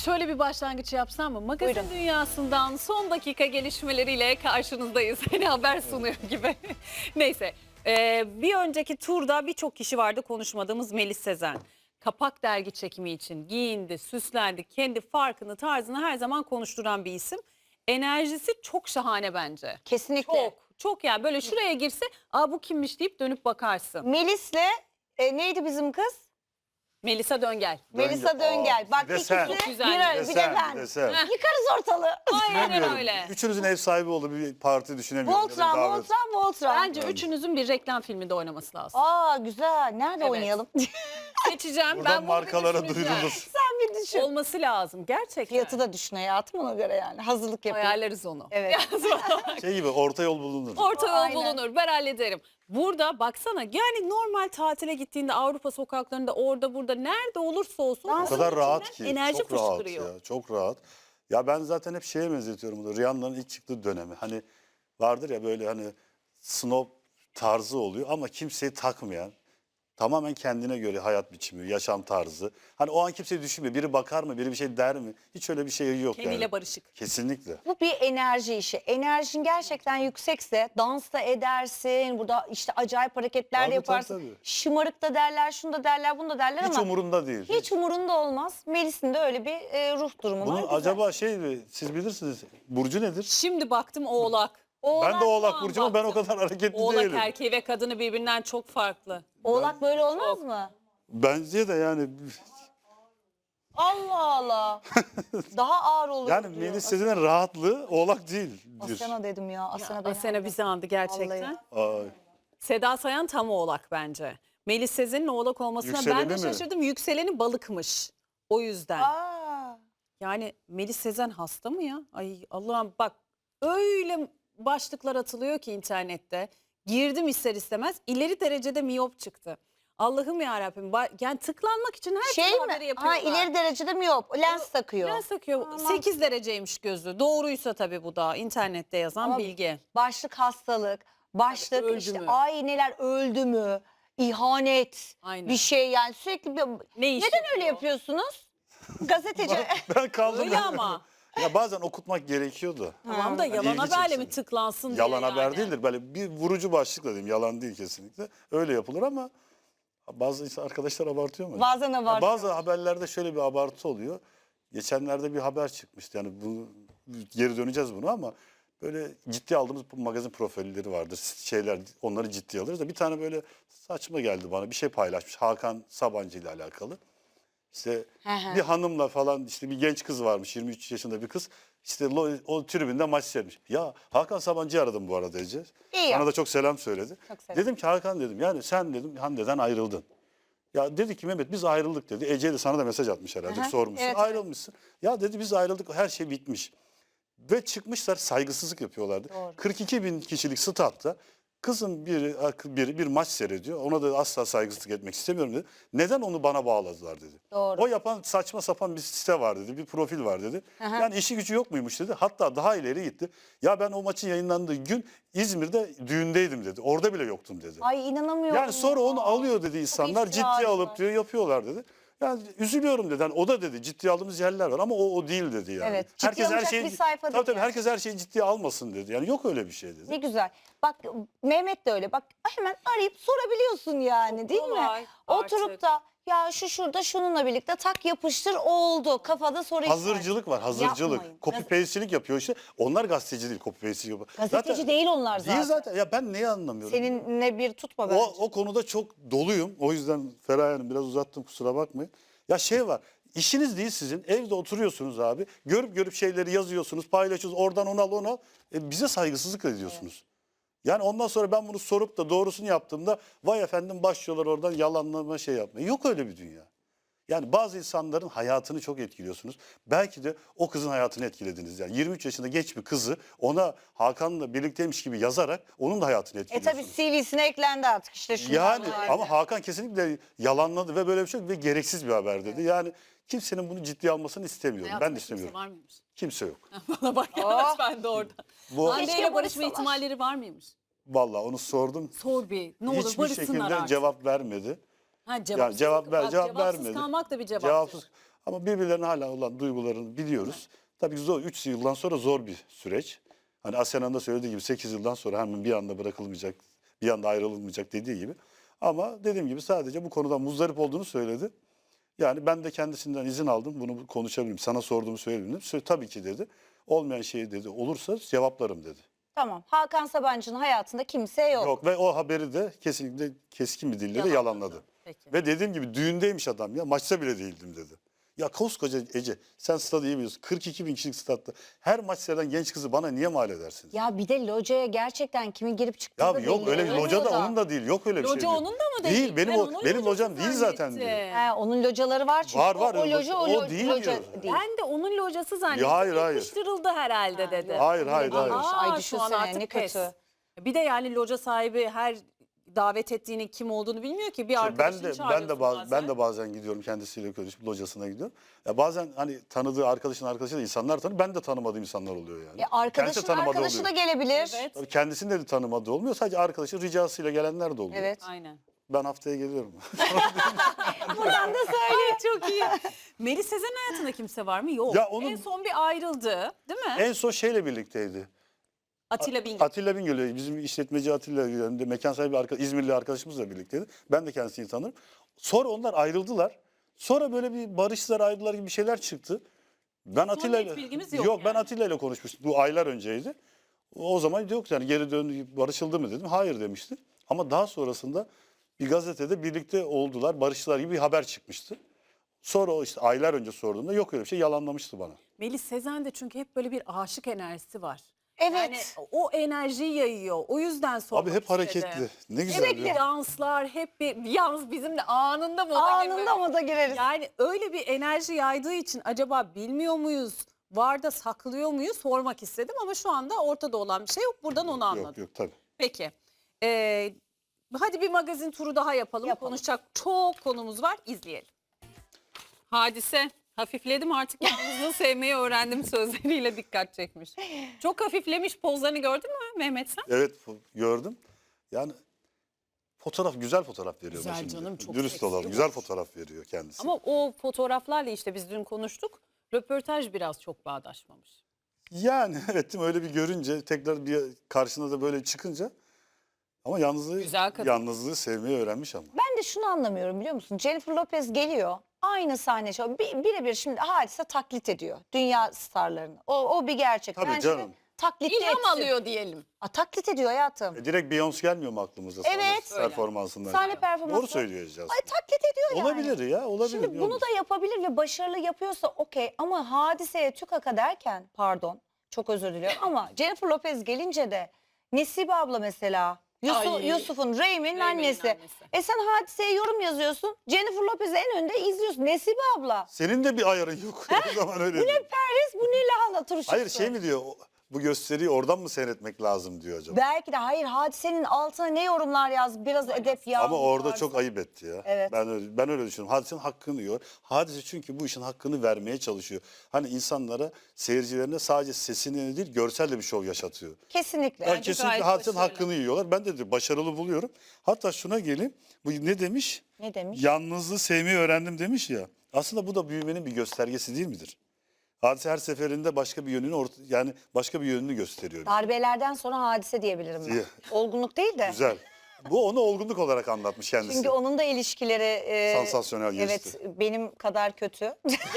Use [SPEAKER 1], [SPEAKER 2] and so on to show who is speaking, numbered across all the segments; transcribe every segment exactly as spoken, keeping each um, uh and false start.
[SPEAKER 1] Şöyle bir başlangıç yapsam mı? Magazin
[SPEAKER 2] Buyurun.
[SPEAKER 1] dünyasından son dakika gelişmeleriyle karşınızdayız. Hani haber sunuyor gibi. Neyse. Ee, bir önceki turda birçok kişi vardı konuşmadığımız Melis Sezen. Kapak dergi çekimi için giyindi, süslendi. Kendi farkını, tarzını her zaman konuşturan bir isim. Enerjisi çok şahane bence.
[SPEAKER 2] Kesinlikle.
[SPEAKER 1] Çok, çok yani böyle şuraya girse, aa bu kimmiş deyip dönüp bakarsın.
[SPEAKER 2] Melis'le e, neydi bizim kız?
[SPEAKER 1] Melisa Döngel.
[SPEAKER 2] Melisa Döngel. Bak
[SPEAKER 3] bir de
[SPEAKER 2] ikisi
[SPEAKER 3] sen.
[SPEAKER 1] Çok güzel.
[SPEAKER 2] bir,
[SPEAKER 1] Bir de
[SPEAKER 2] bir de
[SPEAKER 3] sen,
[SPEAKER 2] ben.
[SPEAKER 3] bir de sen.
[SPEAKER 1] Heh.
[SPEAKER 2] Yıkarız ortalığı.
[SPEAKER 1] Aynen
[SPEAKER 3] Düşünemiyorum.
[SPEAKER 1] öyle.
[SPEAKER 3] Üçünüzün ev sahibi olduğu bir parti düşünemiyorum. ya da
[SPEAKER 2] Voltran,
[SPEAKER 3] davet.
[SPEAKER 2] Voltran, Voltran.
[SPEAKER 1] Bence üçünüzün bir reklam filminde oynaması lazım.
[SPEAKER 2] Aa güzel. Nerede
[SPEAKER 1] Evet.
[SPEAKER 2] oynayalım?
[SPEAKER 1] Seçeceğim.
[SPEAKER 3] Buradan
[SPEAKER 1] Ben bunu bir
[SPEAKER 3] markalara
[SPEAKER 1] düşüneceğim.
[SPEAKER 3] duyurulur.
[SPEAKER 2] Sen bir düşün.
[SPEAKER 1] Olması lazım gerçekten.
[SPEAKER 2] Fiyatı da düşün hayatım ona göre yani. Hazırlık yapayım.
[SPEAKER 1] Ayarlarız onu.
[SPEAKER 2] Evet.
[SPEAKER 3] Şey gibi orta yol bulunur.
[SPEAKER 1] Orta yol
[SPEAKER 2] Aynen.
[SPEAKER 1] bulunur. Ben hallederim. Burada baksana yani normal tatile gittiğinde Avrupa sokaklarında orada burada nerede olursa olsun.
[SPEAKER 2] Dans
[SPEAKER 3] O kadar rahat ki.
[SPEAKER 1] Enerji
[SPEAKER 3] çok rahat
[SPEAKER 1] fışkırıyor.
[SPEAKER 3] ya. Çok rahat. Ya ben zaten hep şeye benzetiyorum bunu. Rihanna'nın ilk çıktığı dönemi. Hani vardır ya böyle hani snob tarzı oluyor ama kimseyi takmayan. Tamamen kendine göre hayat biçimi, yaşam tarzı. Hani o an kimseyi düşünmüyor. Biri bakar mı, biri bir şey der mi? Hiç öyle bir şey yok
[SPEAKER 1] Kendiyle
[SPEAKER 3] yani.
[SPEAKER 1] barışık.
[SPEAKER 3] Kesinlikle.
[SPEAKER 2] Bu bir enerji işi. Enerjin gerçekten yüksekse dans da edersin. Burada işte acayip hareketler de
[SPEAKER 3] Tabii,
[SPEAKER 2] yaparsın.
[SPEAKER 3] tabii, tabii.
[SPEAKER 2] Şımarık da derler, şunu da derler, bunu da derler
[SPEAKER 3] Hiç
[SPEAKER 2] ama
[SPEAKER 3] umurunda değil.
[SPEAKER 2] hiç umurunda olmaz. Melis'in de öyle bir e, ruh durumu
[SPEAKER 3] Bunun
[SPEAKER 2] var. Güzel.
[SPEAKER 3] acaba şey mi, siz bilirsiniz, burcu nedir?
[SPEAKER 1] Şimdi baktım Oğlak.
[SPEAKER 3] Ben de Oğlak
[SPEAKER 1] Tamam,
[SPEAKER 3] burcu ama ben o
[SPEAKER 1] baktım.
[SPEAKER 3] kadar hareketli
[SPEAKER 1] Oğlak
[SPEAKER 3] değilim.
[SPEAKER 1] erkeği ve kadını birbirinden çok farklı.
[SPEAKER 2] Oğlak böyle olmaz mı?
[SPEAKER 3] Bence de yani
[SPEAKER 2] Allah Allah. Daha ağır olur
[SPEAKER 3] yani
[SPEAKER 2] diyor.
[SPEAKER 3] Melis Sezen'in rahatlığı Oğlak değildir.
[SPEAKER 2] Asena dedim ya. Asena beni
[SPEAKER 1] Asena
[SPEAKER 2] aldı.
[SPEAKER 1] bizi andı gerçekten.
[SPEAKER 2] Vallahi.
[SPEAKER 3] Ay.
[SPEAKER 1] Seda Sayan tam Oğlak bence. Melis Sezen'in Oğlak olmasına ben
[SPEAKER 3] Yükseleni
[SPEAKER 1] de
[SPEAKER 3] mi?
[SPEAKER 1] şaşırdım. Yükseleni balıkmış. O yüzden.
[SPEAKER 2] Aa.
[SPEAKER 1] Yani Melis Sezen hasta mı ya? Ay Allah'ım bak öyle başlıklar atılıyor ki internette. Girdim ister istemez ileri derecede miyop çıktı. Allah'ım yarabbim yani tıklanmak için her
[SPEAKER 2] Şey
[SPEAKER 1] türlü
[SPEAKER 2] mi?
[SPEAKER 1] haberi
[SPEAKER 2] Ha
[SPEAKER 1] yapıyorlar.
[SPEAKER 2] ileri derecede mi yok? Lens takıyor.
[SPEAKER 1] Lens takıyor.
[SPEAKER 2] Tamam.
[SPEAKER 1] sekiz dereceymiş gözü. Doğruysa tabii bu da internette yazan
[SPEAKER 2] Ama
[SPEAKER 1] bilgi.
[SPEAKER 2] Başlık hastalık, başlık
[SPEAKER 1] Öldü
[SPEAKER 2] işte
[SPEAKER 1] mü?
[SPEAKER 2] ay neler öldü mü? İhanet,
[SPEAKER 1] Aynen.
[SPEAKER 2] bir şey yani sürekli bir...
[SPEAKER 1] Ne iş
[SPEAKER 2] Neden
[SPEAKER 1] yapıyor?
[SPEAKER 2] öyle yapıyorsunuz? Gazeteci.
[SPEAKER 3] Ben kaldım.
[SPEAKER 1] Öyle ama.
[SPEAKER 3] Ya bazen okutmak gerekiyordu.
[SPEAKER 1] Tamam da yalan
[SPEAKER 3] İlgi
[SPEAKER 1] haberle
[SPEAKER 3] çeksin.
[SPEAKER 1] mi tıklansın diye
[SPEAKER 3] Yalan
[SPEAKER 1] yani.
[SPEAKER 3] haber değildir. Böyle bir vurucu başlıkla diyeyim. Yalan değil kesinlikle. Öyle yapılır ama bazı arkadaşlar abartıyor mu?
[SPEAKER 2] Bazen
[SPEAKER 3] Ya
[SPEAKER 2] abartıyor.
[SPEAKER 3] bazı haberlerde şöyle bir abartı oluyor. Geçenlerde bir haber çıkmıştı. Yani bu geri döneceğiz bunu ama böyle ciddi aldığımız magazin profilleri vardır. Şeyler onları ciddiye alırız da bir tane böyle saçma geldi bana. Bir şey paylaşmış Hakan Sabancı ile alakalı. İşte
[SPEAKER 2] Hı hı.
[SPEAKER 3] bir hanımla falan işte bir genç kız varmış yirmi üç yaşında bir kız. İşte lo- o tribünde maç seyretmiş. Ya Hakan Sabancı'yı aradım bu arada Ece.
[SPEAKER 2] İyi
[SPEAKER 3] Bana
[SPEAKER 2] ya.
[SPEAKER 3] da çok selam söyledi.
[SPEAKER 2] Çok selam.
[SPEAKER 3] Dedim ki Hakan dedim yani sen dedim Hande'den ayrıldın. Ya dedi ki Mehmet biz ayrıldık dedi. Ece de sana da mesaj atmış herhalde
[SPEAKER 2] Aha,
[SPEAKER 3] sormuşsun.
[SPEAKER 2] evet, evet.
[SPEAKER 3] Ayrılmışsın. Ya dedi biz ayrıldık her şey bitmiş. Ve çıkmışlar saygısızlık yapıyorlardı.
[SPEAKER 2] Doğru.
[SPEAKER 3] kırk iki bin kişilik statta kızın biri, biri bir maç seyrediyor. Ona da asla saygısızlık etmek istemiyorum dedi. Neden onu bana bağladılar dedi.
[SPEAKER 2] Doğru.
[SPEAKER 3] O yapan saçma sapan bir site var dedi. Bir profil var dedi.
[SPEAKER 2] Aha.
[SPEAKER 3] Yani işi gücü yok muymuş dedi. Hatta daha ileri gitti. Ya ben o maçın yayınlandığı gün İzmir'de düğündeydim dedi. Orada bile yoktum dedi.
[SPEAKER 2] Ay inanamıyorum.
[SPEAKER 3] Yani sonra
[SPEAKER 2] ya.
[SPEAKER 3] onu alıyor dedi insanlar
[SPEAKER 2] iftira
[SPEAKER 3] ciddiye
[SPEAKER 2] var.
[SPEAKER 3] alıp diyor yapıyorlar dedi. Yani üzülüyorum dedi. Yani o da dedi ciddiye aldığımız yerler var ama o o değil dedi yani.
[SPEAKER 2] Evet, ciddiye alınacak bir sayfa
[SPEAKER 3] tabii
[SPEAKER 2] değil
[SPEAKER 3] tabii
[SPEAKER 2] yani.
[SPEAKER 3] herkes her şeyi ciddiye almasın dedi. Yani yok öyle bir şey dedi.
[SPEAKER 2] Ne güzel. Bak Mehmet de öyle. Bak hemen arayıp sorabiliyorsun yani değil
[SPEAKER 1] Kolay
[SPEAKER 2] mi?
[SPEAKER 1] artık.
[SPEAKER 2] Oturup da ya şu şurada şununla birlikte tak yapıştır oldu. Kafada soru işareti.
[SPEAKER 3] Hazırcılık var, hazırcılık.
[SPEAKER 2] Yapmayın.
[SPEAKER 3] Copy paste'cilik yapıyor işte. Onlar gazeteci değil, copy paste'cilik yapıyor.
[SPEAKER 2] Gazeteci değil onlar zaten.
[SPEAKER 3] Değil zaten. Ya ben neyi anlamıyorum?
[SPEAKER 2] Seninle bir tutma bence.
[SPEAKER 3] O, o konuda çok doluyum. O yüzden Feraye Hanım biraz uzattım kusura bakmayın. Ya şey var. İşiniz değil sizin. Evde oturuyorsunuz abi. Görüp görüp şeyleri yazıyorsunuz, paylaşıyorsunuz. Oradan onu al onu al. E, bize saygısızlık ediyorsunuz. Yani ondan sonra ben bunu sorup da doğrusunu yaptığımda vay efendim başlıyorlar oradan yalanlama şey yapmaya. Yok öyle bir dünya. Yani bazı insanların hayatını çok etkiliyorsunuz. Belki de o kızın hayatını etkilediniz. Yani yirmi üç yaşında genç bir kızı ona Hakan'la birlikteymiş gibi yazarak onun da hayatını
[SPEAKER 2] E
[SPEAKER 3] etkiliyorsunuz.
[SPEAKER 2] tabi C V'sine eklendi artık işte şu.
[SPEAKER 3] Yani ama Hakan kesinlikle yalanladı ve böyle bir şey yok ve gereksiz bir haber dedi. Yani kimsenin bunu ciddiye almasını istemiyorum.
[SPEAKER 1] Hayatında
[SPEAKER 3] ben de
[SPEAKER 1] kimse
[SPEAKER 3] istemiyorum.
[SPEAKER 1] var mıymış?
[SPEAKER 3] Kimse yok.
[SPEAKER 1] Bana bak yalnız ben de orada.
[SPEAKER 3] Bu
[SPEAKER 1] Hande
[SPEAKER 2] Keşke
[SPEAKER 1] ile barışma
[SPEAKER 2] barışsalar.
[SPEAKER 1] ihtimalleri var mıymış?
[SPEAKER 3] vallahi onu sordum.
[SPEAKER 1] Sor bir. Ne olur
[SPEAKER 3] Hiçbir
[SPEAKER 1] barışsınlar
[SPEAKER 3] şekilde
[SPEAKER 1] artık.
[SPEAKER 3] cevap vermedi.
[SPEAKER 1] Ha,
[SPEAKER 3] Yani
[SPEAKER 1] cevapsız,
[SPEAKER 3] cevap ver,
[SPEAKER 1] bak,
[SPEAKER 3] cevap
[SPEAKER 1] cevapsız
[SPEAKER 3] vermedi.
[SPEAKER 1] kalmak da bir cevaptır.
[SPEAKER 3] Cevapsız. Ama birbirlerine hala olan duygularını biliyoruz. Tabii zor, üç yıldan sonra zor bir süreç. Hani Asena'nın da söylediği gibi sekiz yıldan sonra hemen bir anda bırakılmayacak, bir anda ayrılmayacak dediği gibi. Ama dediğim gibi sadece bu konudan muzdarip olduğunu söyledi. Yani ben de kendisinden izin aldım. Bunu konuşabilirim. Sana sorduğumu söyledim. Sö- Tabii ki dedi. Olmayan şey dedi. Olursa cevaplarım dedi.
[SPEAKER 2] Tamam. Hakan Sabancı'nın hayatında kimse yok.
[SPEAKER 3] Yok ve o haberi de kesinlikle keskin bir dille de
[SPEAKER 1] Yalanladı.
[SPEAKER 3] yalanladı.
[SPEAKER 1] Peki.
[SPEAKER 3] Ve dediğim gibi düğündeymiş adam ya. Maçta bile değildim dedi. Ya koskoca Ece sen stadı iyi biliyorsun. kırk iki bin kişilik statta her maç seyreden genç kızı bana niye mal edersiniz? Ya,
[SPEAKER 2] Ya bir de locaya gerçekten kimin girip çıktığı da
[SPEAKER 3] yok
[SPEAKER 2] belli
[SPEAKER 3] öyle bir
[SPEAKER 2] olmuyor
[SPEAKER 3] loca da
[SPEAKER 2] da.
[SPEAKER 3] onun da değil. Yok öyle bir şey.
[SPEAKER 1] Loca
[SPEAKER 3] diyor.
[SPEAKER 1] onun da mı değil?
[SPEAKER 3] Değil benim
[SPEAKER 1] Ben
[SPEAKER 3] o
[SPEAKER 1] onun
[SPEAKER 3] benim
[SPEAKER 1] locası
[SPEAKER 3] locam değil zaten
[SPEAKER 1] zannettim.
[SPEAKER 3] diyor.
[SPEAKER 2] He, onun locaları var çünkü.
[SPEAKER 3] Var, var,
[SPEAKER 2] O, o loca o,
[SPEAKER 3] o
[SPEAKER 2] lo-
[SPEAKER 3] değil
[SPEAKER 2] loca
[SPEAKER 3] diyor.
[SPEAKER 2] değil.
[SPEAKER 1] Ben de onun locası zannettim.
[SPEAKER 3] hayır, hayır.
[SPEAKER 1] Yapıştırıldı herhalde dedi.
[SPEAKER 3] Hayır hayır hayır.
[SPEAKER 2] Aa,
[SPEAKER 1] Aa,
[SPEAKER 2] Ay
[SPEAKER 1] şu an
[SPEAKER 2] düşünsene,
[SPEAKER 1] artık
[SPEAKER 2] ne
[SPEAKER 1] pes.
[SPEAKER 2] kötü.
[SPEAKER 1] Bir de yani loca sahibi her davet ettiğini kim olduğunu bilmiyor ki. Bir
[SPEAKER 3] Ben
[SPEAKER 1] arkadaşını
[SPEAKER 3] de ben de
[SPEAKER 1] çağırıyorsun
[SPEAKER 3] baz,
[SPEAKER 1] bazen.
[SPEAKER 3] ben de bazen gidiyorum kendisiyle görüşüp locasına gidiyorum. Ya bazen hani tanıdığı arkadaşın arkadaşı da insanlar tanır. Ben de tanımadığım insanlar oluyor yani.
[SPEAKER 2] E,
[SPEAKER 3] Kendisi
[SPEAKER 2] arkadaşın
[SPEAKER 3] tanımadığı
[SPEAKER 2] arkadaşı da
[SPEAKER 3] oluyor.
[SPEAKER 2] gelebilir.
[SPEAKER 1] Evet.
[SPEAKER 3] Tabii kendisinin de tanımadığı olmuyor. Sadece arkadaşın ricasıyla gelenler de oluyor.
[SPEAKER 2] Evet.
[SPEAKER 1] Aynen.
[SPEAKER 3] Ben haftaya geliyorum.
[SPEAKER 2] Buradan da söyle.
[SPEAKER 1] Çok iyi. Melis Sezen hayatında kimse var mı? Yok.
[SPEAKER 3] Ya onun-
[SPEAKER 1] En son bir ayrıldı değil mi?
[SPEAKER 3] En son şeyle birlikteydi.
[SPEAKER 1] Atilla Bingöl.
[SPEAKER 3] Atilla Bingöl, bizim işletmeci Atilla Bingöl'de mekan sahibi arka, İzmirli arkadaşımızla birlikteydi. Ben de kendisini tanırım. Sonra onlar ayrıldılar. Sonra böyle bir barıştılar, ayrıldılar gibi bir şeyler çıktı. Ben Atilla
[SPEAKER 1] net bilgimiz yok
[SPEAKER 3] Yok ben
[SPEAKER 1] yani.
[SPEAKER 3] Atilla ile konuşmuştum. Bu aylar önceydi. O zaman yok yani geri döndü, barışıldı mı dedim. Hayır demişti. Ama daha sonrasında bir gazetede birlikte oldular, barıştılar gibi bir haber çıkmıştı. Sonra o işte aylar önce sorduğumda yok öyle bir şey, yalanlamıştı bana.
[SPEAKER 1] Melis Sezen'de çünkü hep böyle bir aşık enerjisi var.
[SPEAKER 2] Evet.
[SPEAKER 1] Yani o enerjiyi yayıyor. O yüzden sormak
[SPEAKER 3] Abi hep
[SPEAKER 1] istedim.
[SPEAKER 3] hareketli. Ne güzel
[SPEAKER 1] Hep
[SPEAKER 3] ya.
[SPEAKER 1] bir danslar, hep bir yalnız bizim de anında moda
[SPEAKER 2] Anında
[SPEAKER 1] girmek.
[SPEAKER 2] moda gireriz.
[SPEAKER 1] Yani öyle bir enerji yaydığı için acaba bilmiyor muyuz? Var da saklıyor muyuz? Sormak istedim ama şu anda ortada olan bir şey yok. Buradan onu anladım.
[SPEAKER 3] Yok yok tabii.
[SPEAKER 1] Peki. Ee, hadi bir magazin turu daha yapalım.
[SPEAKER 2] Yapalım.
[SPEAKER 1] Konuşacak çok konumuz var. İzleyelim. Hadise. Hafifledim artık yalnızlığı sevmeyi öğrendim sözleriyle dikkat çekmiş. Çok hafiflemiş pozlarını gördün mü Mehmet sen?
[SPEAKER 3] Evet fo- gördüm. Yani fotoğraf güzel fotoğraf veriyor.
[SPEAKER 1] Güzel
[SPEAKER 3] şimdi.
[SPEAKER 1] canım, çok
[SPEAKER 3] Dürüst
[SPEAKER 1] seksi
[SPEAKER 3] olalım.
[SPEAKER 1] olur.
[SPEAKER 3] Güzel fotoğraf veriyor kendisi.
[SPEAKER 1] Ama o fotoğraflarla işte biz dün konuştuk. Röportaj biraz çok bağdaşmamış.
[SPEAKER 3] Yani evet değil mi? Öyle bir görünce tekrar bir karşına da böyle çıkınca ama yalnızlığı
[SPEAKER 1] Güzel kadın.
[SPEAKER 3] yalnızlığı sevmeyi öğrenmiş ama.
[SPEAKER 2] Ben de şunu anlamıyorum biliyor musun? Jennifer Lopez geliyor. Aynı sahne şu. Bir, birebir şimdi Hadise taklit ediyor. Dünya starlarını. O, o bir gerçek.
[SPEAKER 3] Tabii
[SPEAKER 2] Bence
[SPEAKER 3] canım.
[SPEAKER 2] de Taklit
[SPEAKER 1] İlham
[SPEAKER 2] etsin.
[SPEAKER 1] alıyor diyelim.
[SPEAKER 2] Aa, taklit ediyor hayatım.
[SPEAKER 3] E, direkt Beyoncé gelmiyor mu aklımıza sahne
[SPEAKER 2] Evet.
[SPEAKER 3] performansından?
[SPEAKER 2] Sahne performansı.
[SPEAKER 3] Doğru söyleyeceğiz.
[SPEAKER 2] Ay taklit ediyor yani.
[SPEAKER 3] Olabilir ya olabilir.
[SPEAKER 2] Şimdi
[SPEAKER 3] niye
[SPEAKER 2] bunu
[SPEAKER 3] olmasın?
[SPEAKER 2] da yapabilir ve başarılı yapıyorsa okey. Ama Hadise'ye tükaka derken pardon çok özür diliyorum ama Jennifer Lopez gelince de Nesibe abla mesela Yusuf,
[SPEAKER 1] Ay.
[SPEAKER 2] Yusuf'un Reymen'in
[SPEAKER 1] Reymen'in
[SPEAKER 2] annesi.
[SPEAKER 1] annesi.
[SPEAKER 2] E sen Hadise'ye yorum yazıyorsun. Jennifer Lopez'i en önde izliyorsun. Nesibe abla.
[SPEAKER 3] Senin de bir ayarın yok. o zaman öyle.
[SPEAKER 2] Bu ne
[SPEAKER 3] diyor.
[SPEAKER 2] Paris bu ne lahana turşusu.
[SPEAKER 3] Hayır şey mi diyor? o- Bu gösteriyi oradan mı seyretmek lazım diyor acaba?
[SPEAKER 2] Belki de hayır Hadise'nin altına ne yorumlar yaz biraz edep ya.
[SPEAKER 3] Ama orada çok ayıp etti ya.
[SPEAKER 2] Evet.
[SPEAKER 3] Ben öyle, ben öyle düşünüyorum. Hadisenin hakkını yiyor. Hadise çünkü bu işin hakkını vermeye çalışıyor. Hani insanlara, seyircilerine sadece sesini değil, görsel de bir şov yaşatıyor.
[SPEAKER 2] Kesinlikle.
[SPEAKER 3] Yani
[SPEAKER 1] Bence
[SPEAKER 3] kesinlikle
[SPEAKER 1] gayet
[SPEAKER 3] hadisenin
[SPEAKER 1] başarılı.
[SPEAKER 3] hakkını yiyorlar. Ben de, de başarılı buluyorum. Hatta şuna geleyim. Bu ne demiş?
[SPEAKER 2] Ne demiş?
[SPEAKER 3] Yalnızlığı sevmeyi öğrendim demiş ya. Aslında bu da büyümenin bir göstergesi değil midir? Hadise her seferinde başka bir yönünü orta, yani başka bir yönünü gösteriyor.
[SPEAKER 2] Darbelerden sonra Hadise diyebilirim ben.
[SPEAKER 3] İyi.
[SPEAKER 2] Olgunluk değil de.
[SPEAKER 3] Güzel. Bu onu olgunluk olarak anlatmış kendisi.
[SPEAKER 2] Çünkü onun da ilişkileri e,
[SPEAKER 3] Sansasyonel geçti.
[SPEAKER 2] Evet benim kadar kötü.